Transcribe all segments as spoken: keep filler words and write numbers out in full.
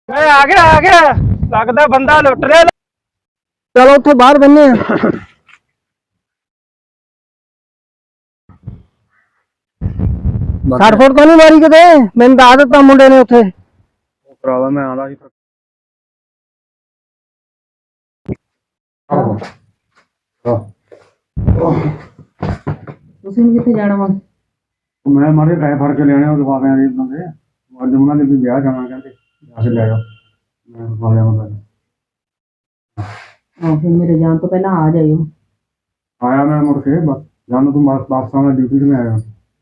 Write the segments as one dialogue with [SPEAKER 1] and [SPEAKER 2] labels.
[SPEAKER 1] मैं आ गया आ गया लगता बंदा लुट रहा।
[SPEAKER 2] चलो उत्थे बाहर बन्ने सठ फुट तो नहीं मारी किते मैंने दस दिता मुंडे ने उत्थे
[SPEAKER 1] भरावा मैं आंदा सी
[SPEAKER 2] ਤੁਸੀਂ ਕਿੱਥੇ ਜਾਣਾ ਵਾ
[SPEAKER 1] मैं मारे पैसे फड़ के लेने लिफाफे दे बंदे अज उन्होंने भी ब्याह जाना कहते जाके ले जाओ मैं लिफाफे बंदा
[SPEAKER 2] ਆਹ ਫਿਰ ਮੇਰੇ ਜਾਣ ਤੋਂ ਪਹਿਲਾਂ ਆ ਜਾਇਓ
[SPEAKER 1] आया मैं मुड़ के बस जान तू वापस आना ड्यूटी से मैं आया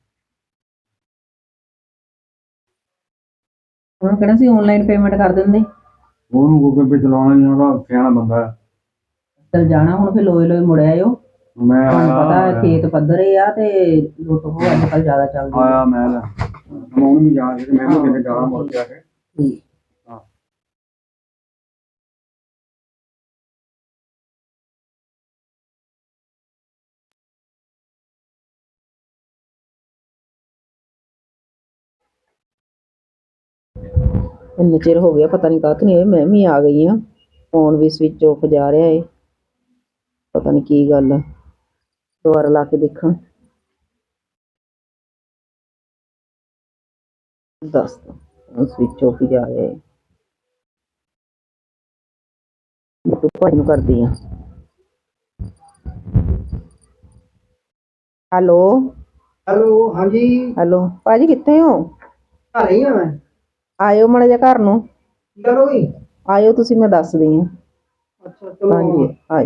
[SPEAKER 2] ਉਹਨਾਂ ਕਿਹੜਾ ਸੀ ਆਨਲਾਈਨ ਪੇਮੈਂਟ ਕਰ ਦਿੰਦੇ
[SPEAKER 1] ਉਹਨੂੰ ਗੂਗਲ ਪੇ ਚਲਾਉਣਾ ਨਹੀਂ ਆਉਂਦਾ ਸਿਆਣਾ ਬੰਦਾ ਹੈ
[SPEAKER 2] ਚਲ ਜਾਣਾ ਹੁਣ ਫਿਰ ਲੋਏ ਲੋਏ ਮੁੜ ਆਇਓ
[SPEAKER 1] ਮੈਂ
[SPEAKER 2] ਤੁਹਾਨੂੰ
[SPEAKER 1] ਆਇਆ
[SPEAKER 2] ਪਤਾ ਖੇਤ ਪੱਧਰੇ ਆ ਤੇ ਲੁੱਟ ਹੋ ਅੱਜ ਕੱਲ ਜ਼ਿਆਦਾ ਚੱਲਦੀ ਆ
[SPEAKER 1] ਆਇਆ ਮੈਂ ਮੈਂ ਉਹਨੂੰ ਵੀ ਜਾਣ ਕੇ ਮੈਂ ਵੀ ਕਿਤੇ ਜਾਣਾ ਮੁੜ ਕੇ ਆ ਕੇ
[SPEAKER 2] ਠੀਕ
[SPEAKER 1] ਹਾਂ
[SPEAKER 2] ਇੰਨੇ ਚਿਰ ਹੋ ਗਿਆ ਪਤਾ ਨਹੀਂ ਕਾਹਤ ਨਹੀਂ ਮੈਂ ਵੀ ਆ ਗਈ ਆ ਫੋਨ ਵੀ ਸਵਿਚ ਆਫ ਜਾ ਰਿਹਾ ਏ ਪਤਾ ਨਹੀਂ ਕੀ ਗੱਲ ਆ ਦੁਬਾਰਾ ਲਾ ਕੇ ਦੇਖਾਂ ਦੱਸ ਸਵਿਚ ਆਫ ਹੀ ਜਾ ਰਿਹਾ ਏ ਮੈਂ ਭਾਈ ਨੂੰ ਕਰਦੀ ਆ ਹੈਲੋ
[SPEAKER 3] हेलो हाँ जी
[SPEAKER 2] ਹੈਲੋ ਭਾਜੀ ਕਿੱਥੇ ਹੋ
[SPEAKER 3] आ रही है मैं
[SPEAKER 2] ਆਇਓ ਮਾੜਾ ਜਿਹਾ ਘਰ ਨੂੰ
[SPEAKER 3] की करोगी
[SPEAKER 2] ਆਇਓ ਤੁਸੀਂ ਮੈਂ ਦੱਸਦੀ ਆ
[SPEAKER 3] अच्छा चलो
[SPEAKER 2] ਹਾਂਜੀ ਆਇਓ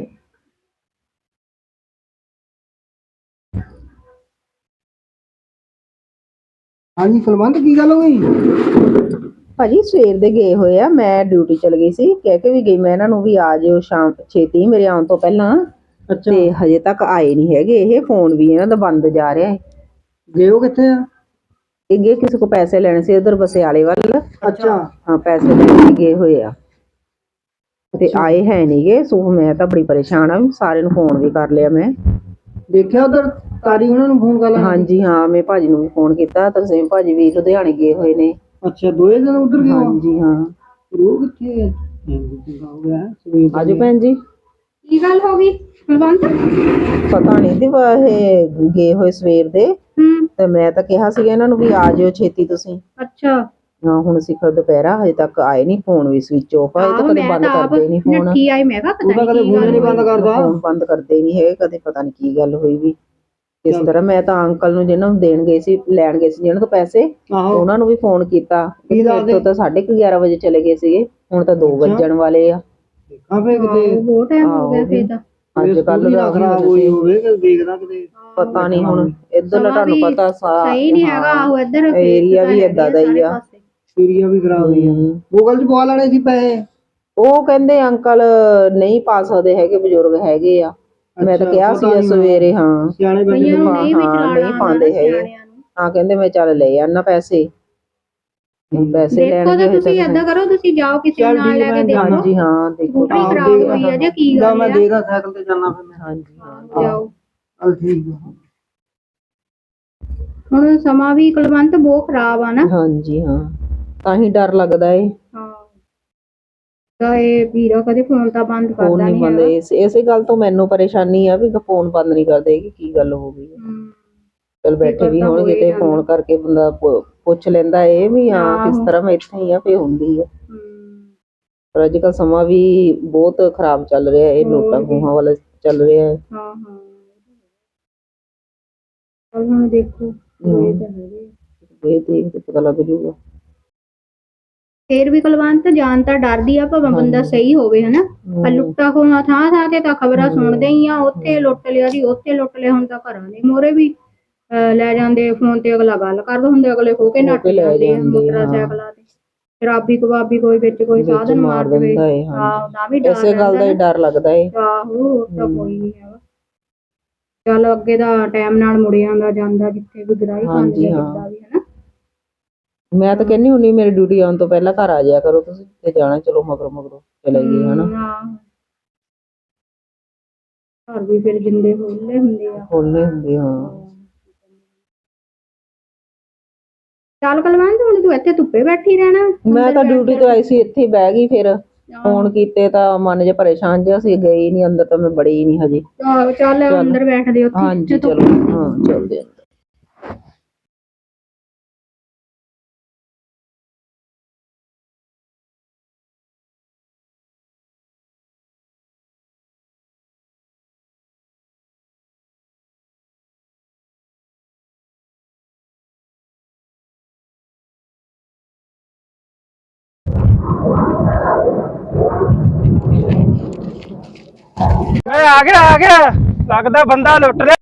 [SPEAKER 3] हाँ जी कुलवंत की गल हो गई
[SPEAKER 2] ਭਾਜੀ ਸਵੇਰ ਦੇ ਗਏ ਹੋਏ ਆ ਮੈਂ ਡਿਊਟੀ ਚਲ ਗਈ ਸੀ ਕਹਿ ਕੇ ਵੀ ਗਈ ਮੈਂ ਇਹਨਾਂ ਨੂੰ ਵੀ ਆ ਜਿਓ ਸ਼ਾਮ ਛੇਤੀ ਮੇਰੇ ਆਉਣ ਤੋਂ ਪਹਿਲਾਂ
[SPEAKER 3] अच्छा
[SPEAKER 2] ਤੇ ਹਜੇ ਤੱਕ ਆਏ ਨਹੀਂ ਹੈਗੇ ਇਹ ਫੋਨ ਵੀ ਇਹਨਾਂ ਦਾ ਬੰਦ ਜਾ ਰਿਹਾ ਹੈ
[SPEAKER 3] गए हो कितने
[SPEAKER 2] ਇਹ ਗਏ ਕਿਸੇ ਕੋ ਪੈਸੇ ਲੈਣੇ ਸੀ ਉਧਰ ਬਸਿਆਲੇ ਵੱਲ
[SPEAKER 3] अच्छा
[SPEAKER 2] ਹਾਂ ਪੈਸੇ ਲੈਣ ਲਈ ਗਏ ਹੋਏ ਆ ਤੇ ਆਏ ਹੈ ਨਹੀਂਗੇ ਸੋ ਮੈਂ ਤਾਂ ਬੜੀ ਪਰੇਸ਼ਾਨ ਆ ਸਾਰਿਆਂ ਨੂੰ ਫੋਨ ਵੀ ਕਰ ਲਿਆ ਮੈਂ
[SPEAKER 3] देखा उधर तारी उन्होंने फोन कर लिया
[SPEAKER 2] ਹਾਂਜੀ ਹਾਂ ਮੈਂ ਭਾਜੀ ਨੂੰ ਵੀ ਫੋਨ ਕੀਤਾ ਤਰਸੇਮ ਭਾਜੀ ਵੀ ਲੁਧਿਆਣੇ ਗਏ ਹੋਏ ਨੇ
[SPEAKER 3] अच्छा दो दिन उधर गए हो
[SPEAKER 2] ਹਾਂਜੀ ਹਾਂ
[SPEAKER 3] रो कितने हो गया है सवेर
[SPEAKER 2] ਆਜੋ ਭੈਣ ਜੀ
[SPEAKER 4] ਕੀ ਗੱਲ ਹੋ ਗਈ ਕੁਲਵੰਤ?
[SPEAKER 2] ਪਤਾ ਨਹੀਂ ਦੀ ਇਹ ਗਏ ਹੋਏ ਸਵੇਰ ਦੇ
[SPEAKER 4] ਹੂੰ
[SPEAKER 2] ਤੇ ਮੈਂ ਤਾਂ ਕਿਹਾ ਸੀਗਾ ਇਹਨਾਂ ਨੂੰ ਵੀ ਆ ਜਿਓ ਛੇਤੀ ਤੁਸੀਂ
[SPEAKER 4] ਅੱਛਾ
[SPEAKER 2] ਹਾਂ ਹੁਣ ਸਿਖਰ ਦੁਪਹਿਰਾ ਹਜੇ ਤੱਕ ਆਏ ਨਹੀਂ ਫੋਨ ਵੀ ਸਵਿਚ ਆਫ ਆ ਇਹ ਤਾਂ ਕਦੇ ਬੰਦ ਕਰਦੇ ਨਹੀਂ ਫੋਨ
[SPEAKER 4] ਨੱਠੀ ਆਈ ਮੈਂ ਕਿਹਾ ਪਤਾ
[SPEAKER 3] ਉਹਦਾ
[SPEAKER 4] ਨਹੀਂ
[SPEAKER 3] ਕਦੇ
[SPEAKER 4] ਕੀ
[SPEAKER 3] ਫੋਨ
[SPEAKER 4] ਗੱਲ
[SPEAKER 3] ਨਹੀਂ ਬੰਦ ਕਰਦਾ
[SPEAKER 2] ਫੋਨ ਬੰਦ ਕਰਦੇ ਨਹੀਂ ਹੈਗੇ ਕਦੇ ਪਤਾ ਨਹੀਂ ਕੀ ਗੱਲ ਹੋਈ ਵੀ ਇਸ ਤਰ੍ਹਾਂ ਮੈਂ ਤਾਂ ਅੰਕਲ ਨੂੰ ਜਿਹਨਾਂ ਨੂੰ ਦੇਣ ਗਏ ਸੀ ਲੈਣ ਗਏ ਸੀ ਜਿਹਨਾਂ ਤੋਂ ਪੈਸੇ
[SPEAKER 3] ਆਹੋ
[SPEAKER 2] ਉਹਨਾਂ ਨੂੰ ਵੀ ਫੋਨ ਕੀਤਾ
[SPEAKER 3] ਕੀ
[SPEAKER 2] ਮੇਰੇ ਤੋਂ ਤਾਂ ਸਾਢੇ ਕੁ ਗਿਆਰਾਂ ਵਜੇ ਚਲੇ ਗਏ ਸੀਗੇ ਹੁਣ ਤਾਂ ਦੋ ਵੱਜਣ ਵਾਲੇ ਆ
[SPEAKER 3] ਦੇਖਾਂ ਫੇ ਕਿਤੇ
[SPEAKER 4] ਬਹੁਤ ਟਾਈਮ ਹੋ ਗਿਆ ਫੇਰ ਤਾਂ
[SPEAKER 2] ਅੱਜ ਕੱਲ ਦਾ
[SPEAKER 3] ਖਰਾਬ ਹੋਈ ਹੋਵੇ ਕਿ ਦੇਖਦਾ ਕਿਤੇ
[SPEAKER 2] ਪਤਾ ਨਹੀਂ ਹੁਣ ਇੱਧਰ ਦਾ ਤੁਹਾਨੂੰ ਪਤਾ
[SPEAKER 4] ਸਹੀ ਨਹੀਂ ਹੈਗਾ ਆਹੋ ਇੱਧਰ
[SPEAKER 2] ਏਰੀਆ ਵੀ ਏਦਾਂ ਦਾ ਹੀ ਆ
[SPEAKER 3] ਏਰੀਆ ਵੀ ਖਰਾਬ ਹੋਈ ਆ
[SPEAKER 2] ਹਮ।
[SPEAKER 3] ਗੂਗਲ ਚ ਪਵਾ ਲੈਣੇ ਸੀ ਪੈਸੇ
[SPEAKER 2] ਉਹ ਕਹਿੰਦੇ ਅੰਕਲ ਨਹੀਂ ਪਾ ਸਕਦੇ ਹੈਗੇ ਬਜ਼ੁਰਗ ਹੈਗੇ ਆ ਮੈਂ ਤਾਂ
[SPEAKER 3] ਅੱਛਾ,
[SPEAKER 2] ਕਿਹਾ
[SPEAKER 3] ਪਤਾ
[SPEAKER 2] ਸੀ
[SPEAKER 3] ਨੀ
[SPEAKER 2] ਸਵੇਰੇ ਹਾਂ
[SPEAKER 3] ਸਿਆਣੇ ਬੰਦੇ
[SPEAKER 4] ਕਈਆਂ
[SPEAKER 3] ਨੂੰ
[SPEAKER 4] ਨੂੰ ਨਹੀਂ ਵੀ
[SPEAKER 2] ਹਾਂ,
[SPEAKER 4] ਚਲਾਣਾ
[SPEAKER 2] ਨਹੀਂ ਪਾਉਂਦੇ ਹੈਗੇ ਹਾਂ ਕਹਿੰਦੇ ਮੈਂ ਚੱਲ ਲੈ ਆਣਾ ਪੈਸੇ ਹੁਣ ਪੈਸੇ ਲੈਣ
[SPEAKER 4] ਦੇਖੋ
[SPEAKER 2] ਗਏ
[SPEAKER 4] ਤਾਂ
[SPEAKER 2] ਹੋਏ
[SPEAKER 4] ਤੁਸੀਂ ਏਦਾਂ ਕਰੋ ਤੁਸੀਂ ਜਾਓ ਕਿਸੇ
[SPEAKER 3] ਚੱਲ
[SPEAKER 4] ਨੂੰ ਨਾਲ
[SPEAKER 3] ਠੀਕ
[SPEAKER 4] ਲੈ
[SPEAKER 3] ਮੈਂ
[SPEAKER 4] ਕੇ ਦੇਖੋ
[SPEAKER 2] ਹਾਂਜੀ ਹਾਂ ਦੇਖੋ
[SPEAKER 4] ਸਕੂਟਰੀ
[SPEAKER 3] ਆਪ
[SPEAKER 4] ਖਰਾਬ
[SPEAKER 3] ਦੇਖਦਾ
[SPEAKER 4] ਹੋਈ ਆ ਜਾਂ ਕੀ
[SPEAKER 3] ਜਾਂ
[SPEAKER 4] ਗੱਲ
[SPEAKER 3] ਮੈਂ
[SPEAKER 4] ਆ
[SPEAKER 3] ਦੇਖਦਾ ਸਾਈਕਲ ਤੇ ਜਾਣਾ ਫਿਰ ਮੈਂ
[SPEAKER 2] ਹਾਂਜੀ ਹਾਂ
[SPEAKER 4] ਜਾਓ
[SPEAKER 3] ਚੱਲ ਠੀਕ ਆ
[SPEAKER 4] ਹੁਣ ਸਮਾਂ ਵੀ ਕੁਲਵੰਤ ਬਹੁਤ ਖਰਾਬ ਆ ਨਾ
[SPEAKER 2] ਹਾਂਜੀ ਹਾਂ ਤਾਂ ਹੀ ਡਰ ਲੱਗਦਾ ਏ
[SPEAKER 4] ਹਾਂ ਤਾਂ ਇਹ ਵੀਰਾ ਕਦੇ ਫੋਨ ਤਾਂ ਬੰਦ
[SPEAKER 2] ਫੋਨ
[SPEAKER 4] ਕਰਦਾ
[SPEAKER 2] ਨਹੀਂ
[SPEAKER 4] ਨਹੀਂ
[SPEAKER 2] ਬੰਦ
[SPEAKER 4] ਹੈਗਾ
[SPEAKER 2] ਇਸ ਇਸੇ ਗੱਲ ਤੋਂ ਮੈਨੂੰ ਪਰੇਸ਼ਾਨੀ ਆ ਵੀ ਫੋਨ ਬੰਦ ਨਹੀਂ ਕਰਦੇ ਕਿ ਕੀ ਗੱਲ ਹੋ ਗਈ
[SPEAKER 4] ਹਮ,
[SPEAKER 2] ਚਲ ਬੈਠੇ ਵੀ
[SPEAKER 4] ਕਰਦਾ
[SPEAKER 2] ਹੋਣਗੇ
[SPEAKER 4] ਹੋਏ
[SPEAKER 2] ਤੇ
[SPEAKER 4] ਜਾਂਦਾ।
[SPEAKER 2] ਫੋਨ ਕਰਕੇ ਬੰਦਾ ਪੁ- ਪੁੱਛ ਲੈਂਦਾ ਇਹ ਵੀ ਹਾਂ ਕਿਸ
[SPEAKER 4] ਆਹੋ।
[SPEAKER 2] ਤਰ੍ਹਾਂ ਮੈਂ ਇੱਥੇ ਹੀ ਆ ਫੇ ਹੁੰਦੀ ਆ
[SPEAKER 4] ਹਮ,
[SPEAKER 2] ਪਰ ਅੱਜ ਕੱਲ ਸਮਾਂ ਵੀ ਬਹੁਤ ਖਰਾਬ ਚੱਲ ਰਿਹਾ ਇਹ ਨੋਟਾਂ ਖੂਹਾਂ ਵਾਲਾ ਚੱਲ ਰਿਹਾ ਹੈ
[SPEAKER 4] ਹਾਂ ਹਾਂ ਪਰ ਹੁਣ ਦੇਖੋ ਇਹ ਤਾਂ ਹੈਗੇ ਆ।
[SPEAKER 2] ਇਹ ਦੇਖ ਕੇ ਪਤਾ ਲੱਗ ਜੂਗਾ
[SPEAKER 4] ਫੇਰ ਵੀ ਕੁਲਵੰਤ ਜਾਨ ਤਾਂ ਡਰਦੀ ਆ ਭਾਵੇਂ ਬੰਦਾ ਸਹੀ ਹੋਵੇ ਹਨਾ ਆ ਲੁੱਟਾ ਖੋਹਾਂ ਥਾਂ ਥਾਂ ਤੇ ਤਾਂ ਖਬਰਾਂ ਸੁਣਦੇ ਹੀ ਆ ਉੱਥੇ ਲੁੱਟ ਲਿਆ ਜੀ ਉੱਥੇ ਲੁੱਟ ਲਿਆ ਹੁਣ ਤਾਂ ਘਰਾਂ ਦੇ ਮੋਰੇ ਵੀ ਅਹ ਲੈ ਜਾਂਦੇ ਫੋਨ ਤੇ ਅਗਲਾ ਗੱਲ ਕਰਦਾ ਹੁੰਦੇ ਅਗਲੇ ਖੋ ਕੇ ਨੱਠ ਜਾਂਦੇ ਆ ਮੋਟਰਸਾਈਕਲਾਂ ਤੇ ਸ਼ਰਾਬੀ ਕਬਾਬੀ ਕੋਈ ਵਿੱਚ ਕੋਈ ਸਾਧਨ ਮਾਰ ਦੇਵੇ
[SPEAKER 2] ਦਿੰਦਾ ਏ
[SPEAKER 4] ਆਹ ਦਾ ਵੀ ਡਰ
[SPEAKER 2] ਇਸੇ ਗੱਲ ਦਾ ਹੀ ਡਰ ਲੱਗਦਾ ਏ
[SPEAKER 4] ਆਹੋ ਹੋਰ ਤਾਂ ਕੋਈ ਨਹੀਂ ਹੈਗਾ ਚਲ ਅੱਗੇ ਦਾ ਟਾਈਮ ਨਾਲ ਮੁੜ ਜਾਂਦਾ ਜਾਂਦਾ ਜਿੱਥੇ ਵੀ ਗਰਾਈ ਖਾਂਦੀ ਆ ਜਿੱਦਾਂ ਵੀ ਹਨਾ
[SPEAKER 2] ਮੈਂ ਤਾਂ ਕਹਿੰਨੀ ਹੁੰਨੀ ਮੇਰੀ ਡਿਊਟੀ ਆਉਣ ਤੋਂ ਪਹਿਲਾਂ ਘਰ ਆ ਜਾਇਆ ਕਰੋ ਤੁਸੀਂ ਤੇ ਜਾਣਾ ਚਲੋ ਮਗਰੋਂ ਮਗਰੋਂ ਚਲੇ ਗਏ ਹਨਾ
[SPEAKER 4] ਆਹ ਘਰ ਵੀ ਫਿਰ ਜਿੰਦੇ ਖੋਲੇ ਹੁੰਦੇ ਆ
[SPEAKER 2] ਖੋਲ੍ਹਣੇ ਹੁੰਦੇ ਹਾਂ
[SPEAKER 4] ਚੱਲ ਕੁਲਵੰਤ ਹੁਣ ਤੂੰ ਇੱਥੇ ਧੁੱਪੇ ਬੈਠੀ ਰਹਿਣਾ।
[SPEAKER 2] ਮੈਂ ਤਾਂ ਡਿਊਟੀ ਤੋਂ ਆਈ ਸੀ, ਇੱਥੇ ਹੀ ਬਹਿ ਗਈ। ਫਿਰ ਫੋਨ ਕੀਤੇ ਤਾਂ ਮਨ ਜੇ ਪਰੇਸ਼ਾਨ ਜਿਹਾ ਸੀ, ਗਈ ਨਹੀਂ ਅੰਦਰ, ਤਾਂ ਮੈਂ ਬੜੀ ਹੀ ਨਹੀਂ ਹਜੇ।
[SPEAKER 4] ਆਹੋ ਚੱਲ ਅੰਦਰ ਬੈਠਦੇ ਉੱਥੇ।
[SPEAKER 2] ਹਾਂਜੀ ਚਲੋ, ਹਾਂ ਚੱਲਦੇ ਅੰਦਰ।
[SPEAKER 3] ਮੈਂ ਆ ਗਿਆ ਆ ਗਿਆ, ਲੱਗਦਾ ਬੰਦਾ ਲੁੱਟ ਲਿਆ।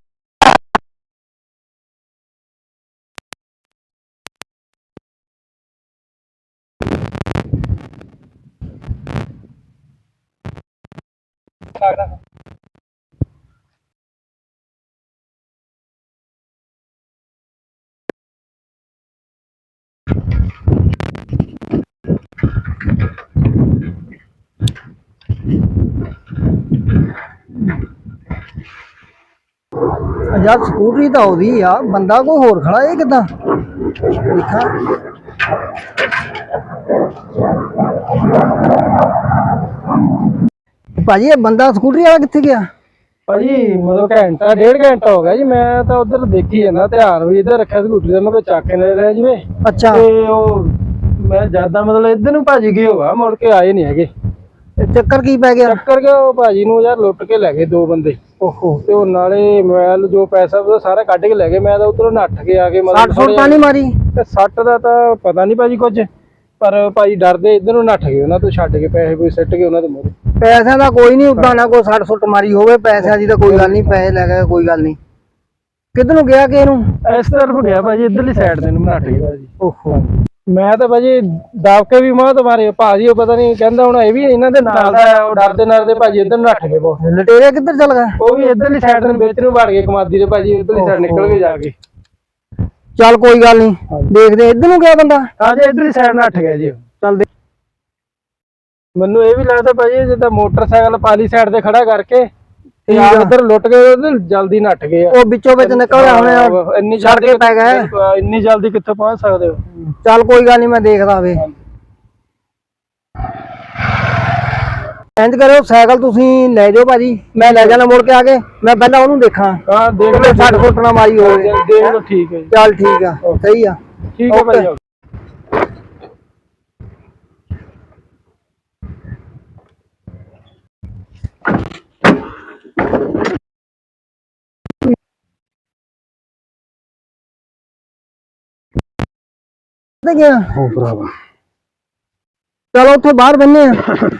[SPEAKER 3] ਯਾਰ ਸਕੂਟਰੀ ਤਾਂ ਉਹਦੀ ਆ, ਬੰਦਾ ਕੋਈ ਹੋਰ ਖੜਾ ਇਹ ਕਿੱਦਾਂ ਦੇਖਾਂ। ਭਾਜੀ ਇਹ ਬੰਦਾ ਸਕੂਟਰੀ ਵਾਲਾ ਕਿੱਥੇ ਗਿਆ?
[SPEAKER 5] ਭਾਜੀ ਮਤਲਬ ਘੰਟਾ ਡੇਢ ਘੰਟਾ ਹੋ ਗਿਆ ਜੀ, ਮੈਂ ਤਾਂ ਉਧਰ ਦੇਖੀ ਜਾਂਦਾ, ਧਿਆਨ ਵੀ ਇੱਧਰ ਰੱਖਿਆ ਸਕੂਟਰੀ ਦਾ, ਮੈਂ ਕੋਈ ਚੱਕ ਕੇ ਲੈ ਰਿਹਾ ਜਿਵੇਂ।
[SPEAKER 3] ਅੱਛਾ,
[SPEAKER 5] ਤੇ ਉਹ ਮੈਂ ਜਿਆਦਾ ਮਤਲਬ ਇੱਧਰ ਨੂੰ ਭਾਜੀ ਗਏ ਹੋਗਾ, ਮੁੜ ਕੇ ਆਏ ਨਹੀਂ ਹੈਗੇ।
[SPEAKER 3] ਇਹ ਚੱਕਰ ਕੀ ਪੈ ਗਿਆ?
[SPEAKER 5] ਚੱਕਰ ਗਿਆ ਉਹ ਭਾਜੀ ਨੂੰ ਯਾਰ ਲੁੱਟ ਕੇ ਲੈ ਗਏ ਦੋ ਬੰਦੇ।
[SPEAKER 3] ਓਹੋ,
[SPEAKER 5] ਤੇ ਉਹ ਨਾਲੇ ਮੋਬਾਈਲ ਜੋ ਪੈਸਾ ਉਹ ਸਾਰਾ ਕੱਢ ਕੇ ਲੈ ਗਏ। ਮੈਂ ਤਾਂ ਉਧਰੋਂ ਨੱਠ ਕੇ ਆ ਕੇ
[SPEAKER 3] ਸੱਟ ਸੁੱਟ ਤਾਂ ਨਹੀਂ ਮਾਰੀ?
[SPEAKER 5] ਤੇ ਸੱਟ ਦਾ ਤਾਂ ਪਤਾ ਨਹੀਂ ਭਾਜੀ ਕੁਝ, ਪਰ ਭਾਜੀ ਡਰਦੇ ਇੱਧਰ ਨੂੰ ਨੱਠ ਗਏ, ਉਹਨਾਂ ਤੋਂ ਛੱਡ ਕੇ ਪੈਸੇ ਕੋਈ ਸਿੱਟ ਗਏ ਉਹਨਾਂ ਦੇ ਮੂਹਰੇ।
[SPEAKER 3] ਪੈਸਿਆਂ ਦਾ ਕੋਈ ਨਹੀਂ, ਉਦਾਂ ਨਾ ਕੋਈ ਸੱਟ ਸੁੱਟ ਮਾਰੀ ਹੋਵੇ, ਪੈਸਿਆਂ ਦੀ ਤਾਂ ਕੋਈ ਗੱਲ ਨਹੀਂ, ਪੈਸੇ ਲੈ ਗਏ ਕੋਈ ਗੱਲ ਨਹੀਂ। ਕਿੱਧਰ ਨੂੰ ਗਿਆ ਕਿ ਇਹਨੂੰ?
[SPEAKER 5] ਇਸ ਤਰਫ ਗਿਆ ਭਾਜੀ, ਇੱਧਰਲੀ ਸਾਈਡ ਦੇ ਨੂੰ ਨੱਠ ਗਏ ਭਾਜੀ।
[SPEAKER 3] ਓਹੋ,
[SPEAKER 5] ਮੈਂ ਤਾਂ ਭਾਜੀ ਦਬ ਕੇ ਵੀ ਮਾਂ ਮਾਰੇ ਭਾਜੀ, ਉਹ ਪਤਾ ਨਹੀਂ ਕਹਿੰਦਾ ਹੁਣ ਇਹ ਵੀ ਇਹਨਾਂ ਦੇ ਨਾਲ ਦਾ ਹੈ, ਉਹ ਡਰਦੇ ਡਰਦੇ ਭਾਜੀ ਇੱਧਰ ਨੂੰ ਨੱਠ ਗਏ ਬਹੁਤ।
[SPEAKER 3] ਲਟੇਰੇ ਕਿੱਧਰ ਚੱਲ ਗਏ?
[SPEAKER 5] ਉਹ ਵੀ ਇੱਧਰਲੀ ਸਾਈਡ ਨੂੰ ਵਿੱਚ ਨੂੰ ਵੜ ਗਏ ਕਮਾਦੀ ਦੇ ਭਾਜੀ, ਇੱਧਰਲੀ ਸਾਈਡ ਨਿਕਲ ਕੇ ਜਾ ਕੇ।
[SPEAKER 3] ਚੱਲ ਕੋਈ ਗੱਲ ਨਹੀਂ, ਦੇਖਦੇ ਇੱਧਰ ਨੂੰ ਗਿਆ ਬੰਦਾ।
[SPEAKER 5] ਹਾਂਜੀ ਇੱਧਰਲੀ ਸਾਈਡ ਨੱਠ ਗਿਆ ਜੀ।
[SPEAKER 3] ਚੱਲ ਦੇ।
[SPEAKER 5] ਮੈਨੂੰ ਇਹ ਵੀ ਲੱਗਦਾ ਭਾਜੀ ਜਿੱਦਾਂ ਮੋਟਰਸਾਈਕਲ ਪਾਲੀ ਸਾਈਡ ਤੇ ਖੜਾ ਕਰਕੇ ਤੇ ਆ
[SPEAKER 3] ਠੀਕ ਆ।
[SPEAKER 5] ਉੱਧਰ ਲੁੱਟ ਗਏ, ਉਧਰ ਜਲਦੀ ਨੱਠ ਗਏ ਆ।
[SPEAKER 3] ਉਹ ਵਿੱਚੋਂ ਵਿੱਚ ਨਿਕਲ ਹੋਣੇ ਆ,
[SPEAKER 5] ਇੰਨੀ
[SPEAKER 3] ਛੱਡ ਕੇ ਪੈ ਗਏ।
[SPEAKER 5] ਇੰਨੀ ਜਲਦੀ ਕਿੱਥੋਂ ਪਹੁੰਚ ਸਕਦੇ ਹੋ?
[SPEAKER 3] ਚੱਲ ਕੋਈ ਗੱਲ ਨਹੀਂ, ਮੈਂ ਦੇਖਦਾ ਵੇ। ਇੰਜ ਕਰਿਓ, ਸਾਈਕਲ ਤੁਸੀਂ ਲੈ ਜਾਓ ਭਾਜੀ, ਮੈਂ ਲੈ ਜਾਣਾ ਮੁੜ ਕੇ ਆ ਕੇ। ਮੈਂ ਪਹਿਲਾਂ ਉਹਨੂੰ ਦੇਖਾਂ,
[SPEAKER 5] ਹਾਂ ਦੇਖ ਲਓ,
[SPEAKER 3] ਸੱਟ ਫੁੱਟ ਨਾ ਮਾਰੀ ਹੋਵੇ।
[SPEAKER 5] ਦੇਖ ਲਓ, ਠੀਕ ਹੈ ਜੀ।
[SPEAKER 3] ਚੱਲ ਠੀਕ ਆ, ਸਹੀ ਆ।
[SPEAKER 5] ਠੀਕ ਹੈ ਭਾਜੀ।
[SPEAKER 3] ਤੇ ਗਿਆ
[SPEAKER 1] ਉਹ ਭਰਾਵਾ
[SPEAKER 3] ਚਲੋ ਉੱਥੇ ਬਾਹਰ ਬੰਨੇ ਆ।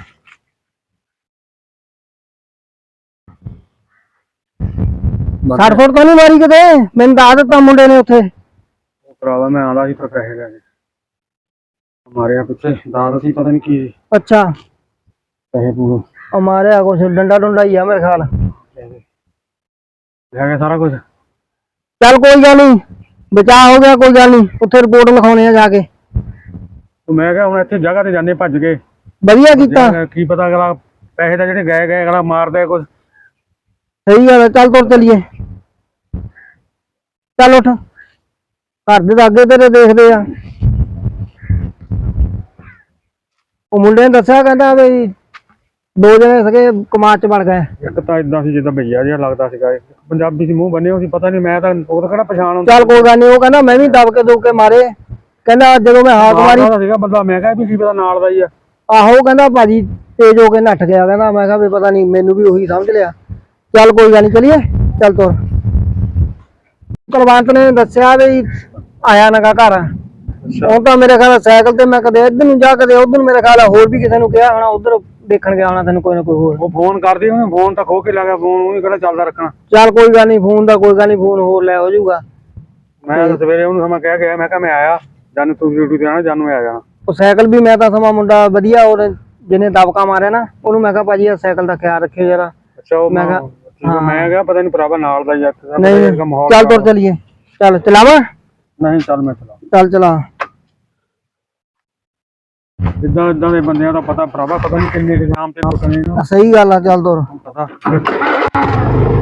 [SPEAKER 3] ਸੱਟ ਫੁੱਟ ਤਾਂ ਨਹੀਂ ਮਾਰੀ ਕਿਤੇ? ਮੈਨੂੰ ਦੱਸ ਦਿੱਤਾ ਮੁੰਡੇ ਨੇ ਉੱਥੇ।
[SPEAKER 1] ਉਹ ਭਰਾਵਾ ਮੈਂ ਆਉਂਦਾ ਸੀ ਪਰ ਪੈਸੇ ਲੈ ਕੇ ਮਾਰਿਆ ਪਿੱਛੇ ਦਾਦ ਸੀ, ਪਤਾ ਨਹੀਂ ਕੀ
[SPEAKER 3] ਅੱਛਾ,
[SPEAKER 1] ਪੈਸੇ ਪੂਰੇ
[SPEAKER 3] ਉਹ ਮਾਰਿਆ ਕੁਛ ਡੰਡਾ ਡੁੰਡਾ ਹੀ ਆ ਮੇਰੇ ਖਿਆਲ।
[SPEAKER 1] ਲੈ ਗਏ ਸਾਰਾ ਕੁਝ।
[SPEAKER 3] ਚੱਲ ਕੋਈ ਗੱਲ ਨਹੀਂ, ਬਚਾਅ ਹੋ ਗਿਆ, ਕੋਈ ਗੱਲ ਨਹੀਂ। ਉੱਥੇ ਰਿਪੋਰਟ ਲਿਖਾਉਣੇ ਆ ਜਾ ਕੇ।
[SPEAKER 1] ਤੂੰ ਮੈਂ ਕਿਹਾ ਹੁਣ ਇੱਥੇ ਜਗ੍ਹਾ ਤੇ ਜਾਂਦੇ ਭੱਜ ਗਏ,
[SPEAKER 3] ਵਧੀਆ ਕੀਤਾ।
[SPEAKER 1] ਕੀ ਪਤਾ ਅਗਲਾ ਪੈਸੇ ਤਾਂ ਜਿਹੜੇ ਗਏ ਗਏ ਅਗਲਾ ਮਾਰਦਾ ਕੁਝ।
[SPEAKER 3] ਸਹੀ ਗੱਲ ਹੈ, ਚੱਲ ਤੁਰ ਚਲੀਏ। ਚੱਲ ਉੱਠ, ਘਰ ਦੇ ਤਾਂ ਅੱਗੇ ਤੇਰੇ ਦੇਖਦੇ ਆ। ਉਹ ਮੁੰਡੇ ਨੇ ਦੱਸਿਆ, ਕਹਿੰਦਾ ਵੀ ਦੋ ਜਣੇ ਸੀਗੇ ਕਮਾਦ ਚ ਬਣ ਗਏ।
[SPEAKER 1] ਇੱਕ ਤਾਂ ਇਦਾਂ ਸੀ ਜਿੱਦਾਂ ਭਈਆ ਜਿਹਾ ਲੱਗਦਾ ਸੀਗਾ, ਪੰਜਾਬੀ ਸੀ, ਮੂੰਹ ਬੰਨੇ ਹੋਏ ਸੀ, ਪਤਾ ਨਹੀਂ ਮੈਂ ਤਾਂ ਉਹ ਤਾਂ ਕਿਹੜਾ ਪਛਾਣ ਹੁੰਦਾ।
[SPEAKER 3] ਚੱਲ ਕੋਈ ਗੱਲ ਨਹੀਂ, ਉਹ ਕਹਿੰਦਾ ਮੈਂ ਵੀ ਦਬ ਕੇ ਦੋ ਕੇ ਮਾਰੇ। ਕਹਿੰਦਾ ਜਦੋਂ ਮੈਂ ਹਾਕ ਮਾਰੀ
[SPEAKER 1] ਸੀਗਾ ਬੰਦਾ, ਮੈਂ ਕਿਹਾ ਵੀ ਕੀ ਪਤਾ ਨਾਲ ਦਾ ਹੀ ਆ।
[SPEAKER 3] ਆਹੋ, ਕਹਿੰਦਾ ਭਾਜੀ ਤੇਜ਼ ਹੋ ਕੇ ਨੱਠ ਗਿਆ। ਕਹਿੰਦਾ ਮੈਂ ਕਿਹਾ ਵੀ ਪਤਾ ਨਹੀਂ, ਮੈਨੂੰ ਵੀ ਉਹੀ ਸਮਝ ਲਿਆ। ਚੱਲ ਕੋਈ ਗੱਲ ਨਹੀਂ, ਚਲੀਏ। ਚੱਲ ਤੁਰ। ਕੁਲਵੰਤ ਨੇ ਦੱਸਿਆ ਵੀ ਆਇਆ ਨਗਾ ਘਰ। ਉਹ ਤਾਂ ਮੇਰੇ ਖਿਆਲ ਸਾਈਕਲ ਤੇ, ਮੈਂ ਕਦੇ ਇੱਧਰ ਨੂੰ ਜਾ ਕਦੇ ਉੱਧਰ ਨੂੰ, ਮੇਰੇ ਖਿਆਲ ਹੋਰ ਵੀ ਕਿਸੇ ਨੂੰ ਕਿਹਾ ਹੋਣਾ, ਉੱਧਰ ਦੇਖਣ ਗਿਆ ਹੋਣਾ ਤੈਨੂੰ ਕੋਈ ਨਾ ਕੋਈ ਹੋਰ।
[SPEAKER 1] ਉਹ ਫੋਨ ਕਰਦੀ ਉਹਨੇ, ਫੋਨ ਤਾਂ ਖੋ ਕੇ ਲੱਗਾ, ਫੋਨ ਉਹਨੇ ਕਿਹੜਾ ਚੱਲਦਾ ਰੱਖਣਾ।
[SPEAKER 3] ਚੱਲ ਕੋਈ ਗੱਲ ਨਹੀਂ, ਫੋਨ ਦਾ ਕੋਈ ਗੱਲ ਨਹੀਂ, ਫੋਨ ਹੋਰ ਲੈ ਹੋ ਜਾਊਗਾ।
[SPEAKER 1] ਮੈਂ ਤਾਂ ਸਵੇਰੇ ਉਹਨੂੰ ਸਮਾਂ ਕਹਿ ਗਿਆ, ਮੈਂ ਕਿਹਾ ਮੈਂ ਆਇਆ ਜਾਨੂੰ, ਤੂੰ ਡਿਊਟੀ ਤੇ ਆਣਾ, ਜਾਨੂੰ ਮੈਂ ਆ ਜਾਣਾ।
[SPEAKER 3] ਉਹ ਸਾਈਕਲ ਵੀ ਮੈਂ ਤਾਂ ਸਮਾਂ ਮੁੰਡਾ ਵਧੀਆ, ਔਰ ਜਿਹਨੇ ਦਬਕਾ ਮਾਰਿਆ ਨਾ, ਉਹਨੂੰ ਮੈਂ ਕਿਹਾ ਭਾਜੀ ਆ ਸਾਈਕਲ ਦਾ ਖਿਆਲ ਰੱਖਿਓ ਜਰਾ।
[SPEAKER 1] ਅੱਛਾ, ਉਹ
[SPEAKER 3] ਮੈਂ ਕਿਹਾ
[SPEAKER 1] ਹਾਂ ਮੈਂ ਕਿਹਾ ਪਤਾ ਨਹੀਂ ਭਰਾਵਾ ਨਾਲ ਦਾ ਯਾਰ।
[SPEAKER 3] ਨਹੀਂ, ਚੱਲ ਤੁਰ ਚਲੀਏ। ਚੱਲ ਚਲਾਵਾ।
[SPEAKER 1] ਨਹੀਂ ਚੱਲ ਮੈਂ ਚਲਾ।
[SPEAKER 3] ਚੱਲ ਚਲਾ।
[SPEAKER 1] ਇਦਾਂ ਇਦਾਂ ਦੇ ਬੰਦਿਆਂ ਦਾ ਪਤਾ ਭਰਾਵਾ, ਪਤਾ ਨਹੀਂ ਕਿੰਨੇ ਇਗਜ਼ਾਮ ਤੇ ਰੁਕਣੇ ਨੇ।
[SPEAKER 3] ਸਹੀ ਗੱਲ ਆ, ਚੱਲ ਤੁਰ।
[SPEAKER 1] ਪਤਾ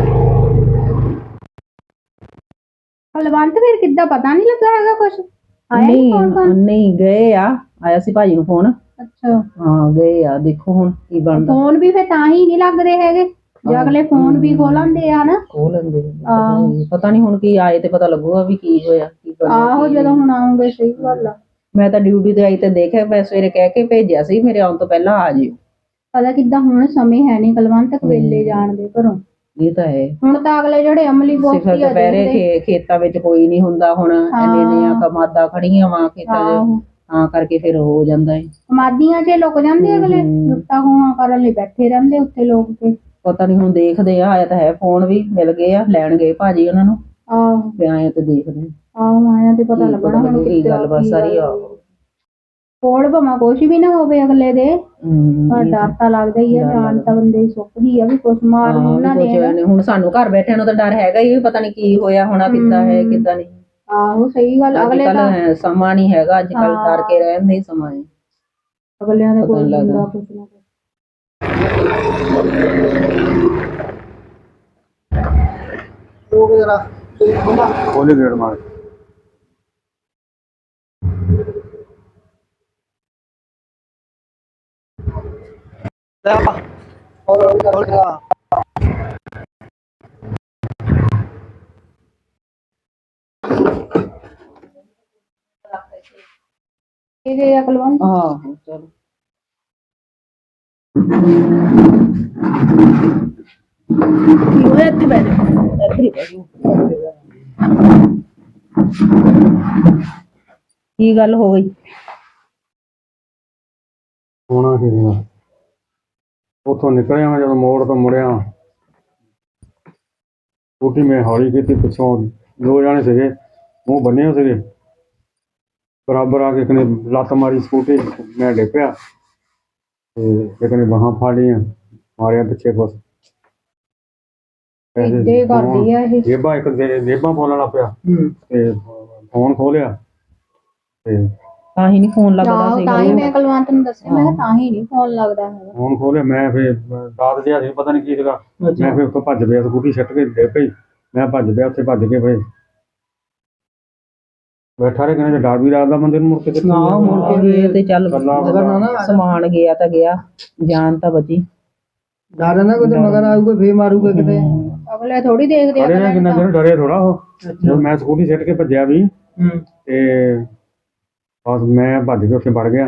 [SPEAKER 4] ਕੁਲਵੰਤ ਫਿਰ ਕਿੱਦਾਂ, ਪਤਾ ਨਹੀਂ ਲੱਗਾ ਹੈਗਾ ਕੁਛ? ਆਇਆ ਨੀ
[SPEAKER 2] ਨਹੀਂ
[SPEAKER 4] ਫੋਨ ਫਾਨ?
[SPEAKER 2] ਨਹੀਂ ਗਏ ਆ, ਆਇਆ ਸੀ ਭਾਜੀ ਨੂੰ ਫੋਨ।
[SPEAKER 4] ਅੱਛਾ
[SPEAKER 2] ਹਾਂ ਗਏ ਆ, ਦੇਖੋ ਹੁਣ ਕੀ ਬਣਦਾ।
[SPEAKER 4] ਫੋਨ ਵੀ ਫੇ ਤਾਂ ਹੀ ਨਹੀਂ ਲੱਗਦੇ ਹੈਗੇ ਜੇ ਅਗਲੇ ਫੋਨ ਵੀ ਖੋਲਣਦੇ ਆ ਨਾ।
[SPEAKER 2] ਖੋਲ ਲੈਂਦੇ ਆ।
[SPEAKER 4] ਆਹੋ।
[SPEAKER 2] ਪਤਾ ਨਹੀਂ ਹੁਣ ਕੀ ਆਏ ਤੇ ਪਤਾ ਲੱਗੂਗਾ ਵੀ ਕੀ ਹੋਇਆ ਕੀ ਬਣਿਆ,
[SPEAKER 4] ਆਹੋ
[SPEAKER 2] ਕੀ
[SPEAKER 4] ਜਦੋਂ
[SPEAKER 2] ਨਹੀਂ।
[SPEAKER 4] ਹੁਣ ਆਉਂਗੇ ਸਹੀ ਗੱਲ ਆ।
[SPEAKER 2] ਮੈਂ ਤਾਂ ਡਿਊਟੀ ਤੇ ਆਈ ਤੇ ਦੇਖਿਆ, ਮੈਂ ਸਵੇਰੇ ਕਹਿ ਕੇ ਭੇਜਿਆ ਸੀ ਮੇਰੇ ਆਉਣ ਤੋਂ ਪਹਿਲਾਂ ਆ ਜਿਓ।
[SPEAKER 4] ਪਤਾ ਕਿੱਦਾਂ ਹੁਣ ਸਮੇਂ ਹੈ ਨਹੀਂ ਕੁਲਵੰਤ ਵੇਲੇ ਜਾਣ ਦੇ ਘਰੋਂ।
[SPEAKER 2] ਇਹ ਤਾਂ ਹੈ।
[SPEAKER 4] ਹੁਣ ਤਾਂ ਅਗਲੇ ਜਿਹੜੇ ਅਮਲੀ
[SPEAKER 2] ਸਿਖਰ
[SPEAKER 4] ਬੋਤੀ ਆ
[SPEAKER 2] ਦੁਪਹਿਰੇ
[SPEAKER 4] ਦੇਖਦੇ।
[SPEAKER 2] ਖੇ- ਖੇਤਾਂ ਵਿੱਚ ਕੋਈ ਨਹੀਂ ਹੁੰਦਾ ਹੁਣ, ਇੰਨੇ ਇੰਨੀਆਂ ਕਮਾਦਾਂ ਖੜੀਆਂ ਵਾ ਖੇਤਾਂ 'ਚ,
[SPEAKER 4] ਆਹੋ
[SPEAKER 2] ਤਾਂ ਕਰਕੇ ਫਿਰ ਹੋ ਜਾਂਦਾ ਹੈ।
[SPEAKER 4] ਮਾਦੀਆਂ 'ਚ ਲੁਕ ਜਾਂਦੇ ਅਗਲੇ, ਲੁੱਟਾਂ ਖੋਹਾਂ ਕਰਨ ਲਈ ਬੈਠੇ ਰਹਿੰਦੇ ਉੱਥੇ ਲੋਕ ਤੇ।
[SPEAKER 2] ਪਤਾ ਨਹੀਂ ਹੁਣ ਦੇਖਦੇ ਆ, ਆਇਆ ਤਾਂ ਹੈ ਫੋਨ ਵੀ ਮਿਲ ਗਏ ਆ, ਲੈਣ ਗਏ ਭਾਜੀ ਉਹਨਾਂ ਨੂੰ
[SPEAKER 4] ਆਹੋ
[SPEAKER 2] ਤੇ ਆਏ ਤੇ ਦੇਖਦੇ ਆ।
[SPEAKER 4] ਆਹੋ ਆਇਆ ਤੇ ਪਤਾ
[SPEAKER 2] ਕੀ
[SPEAKER 4] ਲੱਗਣਾ ਹੁਣ
[SPEAKER 2] ਕੀ ਗੱਲ ਬਸ ਸਾਰੀ ਆ।
[SPEAKER 4] ਕੋਲ ਭਾਵੇਂ ਕੁਛ ਵੀ ਨਾ ਹੋਵੇ ਅਗਲੇ ਦੇ,
[SPEAKER 2] ਹਮ,
[SPEAKER 4] ਪਰ ਡਰ ਤਾਂ ਲੱਗਦਾ ਹੀ ਆ। ਜਾਨ ਤਾਂ ਬੰਦੇ ਦੀ ਸੁੱਕਦੀ ਆ ਵੀ ਕੁਛ ਮਾਰ ਨੂੰ ਨਾ
[SPEAKER 2] ਹਾਂ, ਵੀ
[SPEAKER 4] ਦੇਣ।
[SPEAKER 2] ਕੁਛ ਹੁਣ ਸਾਨੂੰ ਘਰ ਬੈਠਿਆਂ ਨੂੰ ਤਾਂ ਡਰ ਹੈਗਾ ਹੀ, ਪਤਾ ਨਹੀਂ ਕੀ ਹੋਇਆ ਹੋਣਾ, ਕਿੱਦਾਂ ਹੈ ਕਿੱਦਾਂ ਨਹੀਂ।
[SPEAKER 4] ਆਹੋ ਸਹੀ ਗੱਲ।
[SPEAKER 2] ਅੱਜ
[SPEAKER 4] ਅਗਲੇ ਤਾਂ
[SPEAKER 2] ਕੱਲ ਸਮਾਂ ਨਹੀਂ ਹੈਗਾ, ਅੱਜ ਕੱਲ ਡਰ ਕੇ ਰਹਿਣ ਦਾ ਹੀ ਸਮਾਂ ਹੈ।
[SPEAKER 4] ਅਗਲਿਆਂ ਦੇ
[SPEAKER 2] ਪਤਾ
[SPEAKER 4] ਕੋਲ
[SPEAKER 2] ਨੀ ਲੱਗਦਾ।
[SPEAKER 4] ਹੁੰਦਾ ਕੁਛ ਨਾ ਕੁਛ।
[SPEAKER 3] ਉਹ ਜਰਾ
[SPEAKER 1] ਖੋਲੇ ਗੇੜ ਮਾਰ।
[SPEAKER 4] ਇਹ ਜੇ ਕੁਲਵੰਤ
[SPEAKER 2] ਆਹੋ ਚਲੋ। ਕੀ ਹੋਇਆ, ਇੱਥੇ ਬਹਿ ਜਾ, ਇੱਥੇ ਹੀ ਬਹਿ ਜਾ। ਕੀ ਗੱਲ ਹੋ ਗਈ?
[SPEAKER 1] ਹੋਣਾ ਕੀ ਸੀਗਾ, ਉੱਥੋਂ ਨਿਕਲਿਆ ਮੈਂ ਜਦੋਂ ਮੋੜ ਤੋਂ ਮੁੜਿਆ, ਸਕੂਟੀ ਮੈਂ ਹੌਲੀ ਕੀਤੀ, ਪਿੱਛੋਂ ਦੋ ਜਾਣੇ ਸੀਗੇ, ਮੂੰਹ ਬੰਨੇ ਹੋਏ ਸੀਗੇ, ਬਰਾਬਰ ਆ ਕੇ ਇੱਕ ਨੇ ਲੱਤ ਮਾਰੀ ਸਕੂਟੀ, ਮੈਂ ਡਿੱਗ ਪਿਆ ਤੇ ਇੱਕ ਨੇ ਬਾਹਾਂ ਫੜ ਲਈਆਂ, ਮਾਰਿਆ ਪਿੱਛੇ ਕੁਛ।
[SPEAKER 4] ਏਦਾਂ ਹੀ ਕਰਦੀ ਆ ਇਹ।
[SPEAKER 1] ਜੇਬਾਂ ਇੱਕ ਜੇ- ਜੇਬਾਂ ਬੋਲਣ ਲੱਗ ਪਿਆ ਤੇ ਫੋਨ ਖੋਲਿਆ ਤੇ
[SPEAKER 2] ਤਾਂ ਹੀ ਨਹੀਂ ਫੋਨ ਲੱਗਦਾ
[SPEAKER 4] ਆਹੋ
[SPEAKER 2] ਸੀ।
[SPEAKER 4] ਤਾਂ ਹੀ ਮੈਂ ਕੁਲਵੰਤ ਨੂੰ ਦੱਸਿਆ, ਮੈਂ ਕਿਹਾ ਤਾਂ ਹੀ ਨਹੀਂ ਫੋਨ ਲੱਗਦਾ ਹੈਗਾ।
[SPEAKER 1] ਫੋਨ ਖੋਲਿਆ, ਮੈਂ ਫਿਰ ਦਾਦ ਜਿਹਾ ਸੀ, ਪਤਾ ਨਹੀਂ ਕੀ ਸੀਗਾ, ਮੈਂ ਫਿਰ ਉੱਥੋਂ ਭੱਜ ਪਿਆ, ਸਕੂਟੀ ਸਿੱਟ ਕੇ ਡਿੱਗ ਪਈ, ਮੈਂ ਭੱਜ ਪਿਆ, ਉੱਥੇ ਭੱਜ ਕੇ ਫਿਰ ਬੈਠਾ ਰਹੇ, ਕਹਿੰਦੇ ਡਰ ਵੀ ਲੱਗਦਾ ਬੰਦੇ ਨੂੰ, ਮੁੜ ਕੇ ਕਿੱਥੇ
[SPEAKER 3] ਨਾ ਮੁੜ ਕੇ
[SPEAKER 2] ਇਹ ਤੇ ਚੱਲ
[SPEAKER 1] ਗੱਲਾਂ
[SPEAKER 3] ਮਗਰ ਨਾ
[SPEAKER 2] ਸਮਾਨ ਗਿਆ ਤਾਂ ਗਿਆ, ਜਾਨ ਤਾਂ ਬਚੀ।
[SPEAKER 3] ਡਰ ਨਾ ਕੋਈ ਮਗਰ ਆਊਗਾ ਫੇਰ ਮਾਰੂਗਾ ਕਿਤੇ।
[SPEAKER 4] ਅਗਲੇ ਥੋੜੀ ਦੇਖਦੇ ਆ
[SPEAKER 1] ਡਰੇ ਨੇ, ਕਿੰਨਾ ਚਿਰ ਡਰੇ ਥੋੜਾ ਉਹ। ਜਦੋਂ ਮੈਂ ਸਕੂਟੀ ਸਿੱਟ ਕੇ ਭੱਜਿਆ ਵੀ
[SPEAKER 3] ਹੂੰ
[SPEAKER 1] ਤੇ ਬਸ ਮੈਂ ਭੱਜ ਕੇ ਉੱਥੇ ਵੜ ਗਿਆ।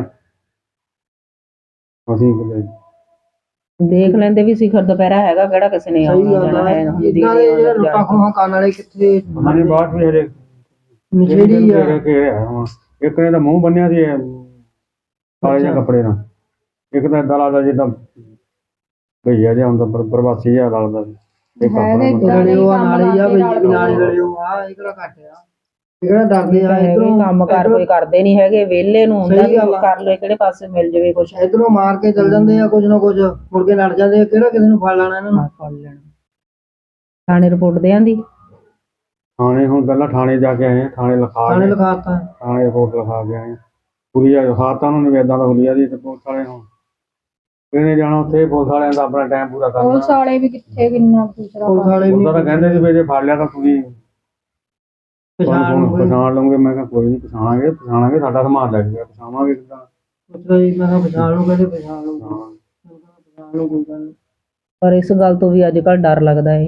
[SPEAKER 1] ਅਸੀਂ
[SPEAKER 2] ਦੇਖ ਲੈਂਦੇ ਵੀ ਸਿਖਰ ਦੁਪਹਿਰਾ ਹੈਗਾ, ਕਿਹੜਾ ਕਿਸੇ ਨੇ
[SPEAKER 3] ਸਹੀ
[SPEAKER 2] ਆਉਣਾ
[SPEAKER 3] ਗੱਲ
[SPEAKER 2] ਜਾਣਾ ਹੈ।
[SPEAKER 3] ਹੈ।
[SPEAKER 2] ਹੁਣ
[SPEAKER 3] ਇਦਾਂ ਦੇ ਜਿਹੜੇ ਲੁੱਟਾਂ ਖੋਹਾਂ ਕਰਨ ਵਾਲੇ ਕਿੱਥੇ
[SPEAKER 1] ਉਹਨਾਂ ਨੇ ਬਾਅਦ ਵੀ ਹਜੇ
[SPEAKER 3] ਨਸ਼ੇੜੀ ਆ।
[SPEAKER 1] ਇੱਕ ਨੇ ਤਾਂ ਮੂੰਹ ਬੰਨਿਆ ਸੀ ਕਾਲੇ ਜਿਹੇ ਕੱਪੜੇ ਨਾਲ, ਇੱਕ ਤਾਂ ਏਦਾਂ ਲੱਗਦਾ ਜਿੱਦਾਂ ਭਈਆ ਜਿਹਾ ਹੁੰਦਾ, ਪਰ ਪ੍ਰਵਾਸੀ ਜਿਹਾ ਲੱਗਦਾ ਸੀ। ਇੱਕ
[SPEAKER 4] ਹੈਗੇ
[SPEAKER 1] ਆਪਣੇ
[SPEAKER 4] ਏਦਾਂ ਦੇ
[SPEAKER 3] ਰਲਿਓ ਆ
[SPEAKER 4] ਕੰਮ
[SPEAKER 3] ਨਾਲੇ ਆ
[SPEAKER 4] ਕਰਦੇ
[SPEAKER 3] ਬਈ
[SPEAKER 4] ਨਾਲ
[SPEAKER 3] ਵੀ ਨਾਲੇ ਰਲਿਓ ਆ, ਇਹ ਕਿਹੜਾ ਘੱਟ ਆ, ਇਹ ਕਿਹੜਾ ਡਰਦੇ ਆ। ਇਧਰੋਂ
[SPEAKER 2] ਕੰਮ ਕਾਰ ਕੋਈ ਕਰਦੇ ਨਹੀਂ ਹੈਗੇ, ਵਿਹਲੇ ਨੂੰ ਹੁੰਦਾ ਵੀ ਕਰ ਲੈ, ਕਿਹੜੇ ਪਾਸੇ ਮਿਲ ਜਾਵੇ ਕੁਛ।
[SPEAKER 3] ਇਧਰੋਂ ਮਾਰ ਕੇ ਚੱਲ ਜਾਂਦੇ ਆ ਕੁਝ ਨਾ ਕੁਝ, ਮੁੜ ਕੇ ਲੜ ਜਾਂਦੇ ਆ, ਕਿਹੜਾ ਕਿਸੇ ਨੂੰ ਫੜ ਲੈਣਾ ਇਹਨਾਂ ਨੂੰ।
[SPEAKER 2] ਫੜ ਲੈਣਾ। ਥਾਣੇ ਰਿਪੋਰਟ ਦੇ ਆਂਦੀ?
[SPEAKER 1] ਥਾਣੇ ਹੁਣ ਪਹਿਲਾਂ ਥਾਣੇ ਜਾ ਕੇ ਆਏ ਆ, ਥਾਣੇ ਲਿਖਾ
[SPEAKER 3] ਥਾਣੇ
[SPEAKER 1] ਕੇ
[SPEAKER 3] ਲਿਖਾਤਾ।
[SPEAKER 1] ਥਾਣੇ ਰਿਪੋਰਟ ਲਿਖਾ ਕੇ ਆਏ ਆ। ਹੁਲੀਆ ਲਿਖਾਤਾ ਉਹਨਾਂ ਨੇ, ਏਦਾਂ ਦਾ ਹੁਲੀਆ ਦੀ, ਤੇ ਪੁਲਿਸ ਵਾਲੇ ਹੁਣ ਕਿਹਨੇ ਜਾਣਾ ਉੱਥੇ, ਪੁਲਿਸ ਵਾਲਿਆਂ ਦਾ ਆਪਣਾ ਟਾਈਮ ਪੂਰਾ ਕਰਨਾ।
[SPEAKER 4] ਪੁਲਿਸ ਵਾਲੇ ਵੀ ਕਿੱਥੇ ਕਿੰਨਾ ਦੂਸਰਾ
[SPEAKER 3] ਪੁਲਿਸ ਵਾਲੇ ਵੀ
[SPEAKER 1] ਉਹਦਾ ਤਾਂ ਕਹਿੰਦੇ ਸੀ ਵੀ ਜੇ ਫੜ ਲਿਆ ਤਾਂ ਤੁਸੀਂ
[SPEAKER 3] ਪਛਾਣ ਨੂੰ
[SPEAKER 1] ਪਛਾਣ ਲਓਗੇ। ਮੈਂ ਕਿਹਾ ਕੋਈ ਨਹੀਂ, ਪਛਾਣਾਂਗੇ ਪਛਾਣਾਂਗੇ, ਸਾਡਾ ਸਮਾਨ ਲੱਗ ਗਿਆ, ਪਛਾਵਾਂਗੇ ਕਿੱਦਾਂ।
[SPEAKER 3] ਪੁੱਛਦਾ ਜੀ, ਮੈਂ ਕਿਹਾ ਪਛਾਣ ਨੂੰ ਕਹਿੰਦੇ ਪਛਾਣ ਲਓ, ਪਛਾਣ ਲਓ ਕੋਈ ਗੱਲ ਨਹੀਂ।
[SPEAKER 2] ਪਰ ਇਸ ਗੱਲ ਤੋਂ ਵੀ ਅੱਜ ਕੱਲ ਡਰ ਲੱਗਦਾ ਏ।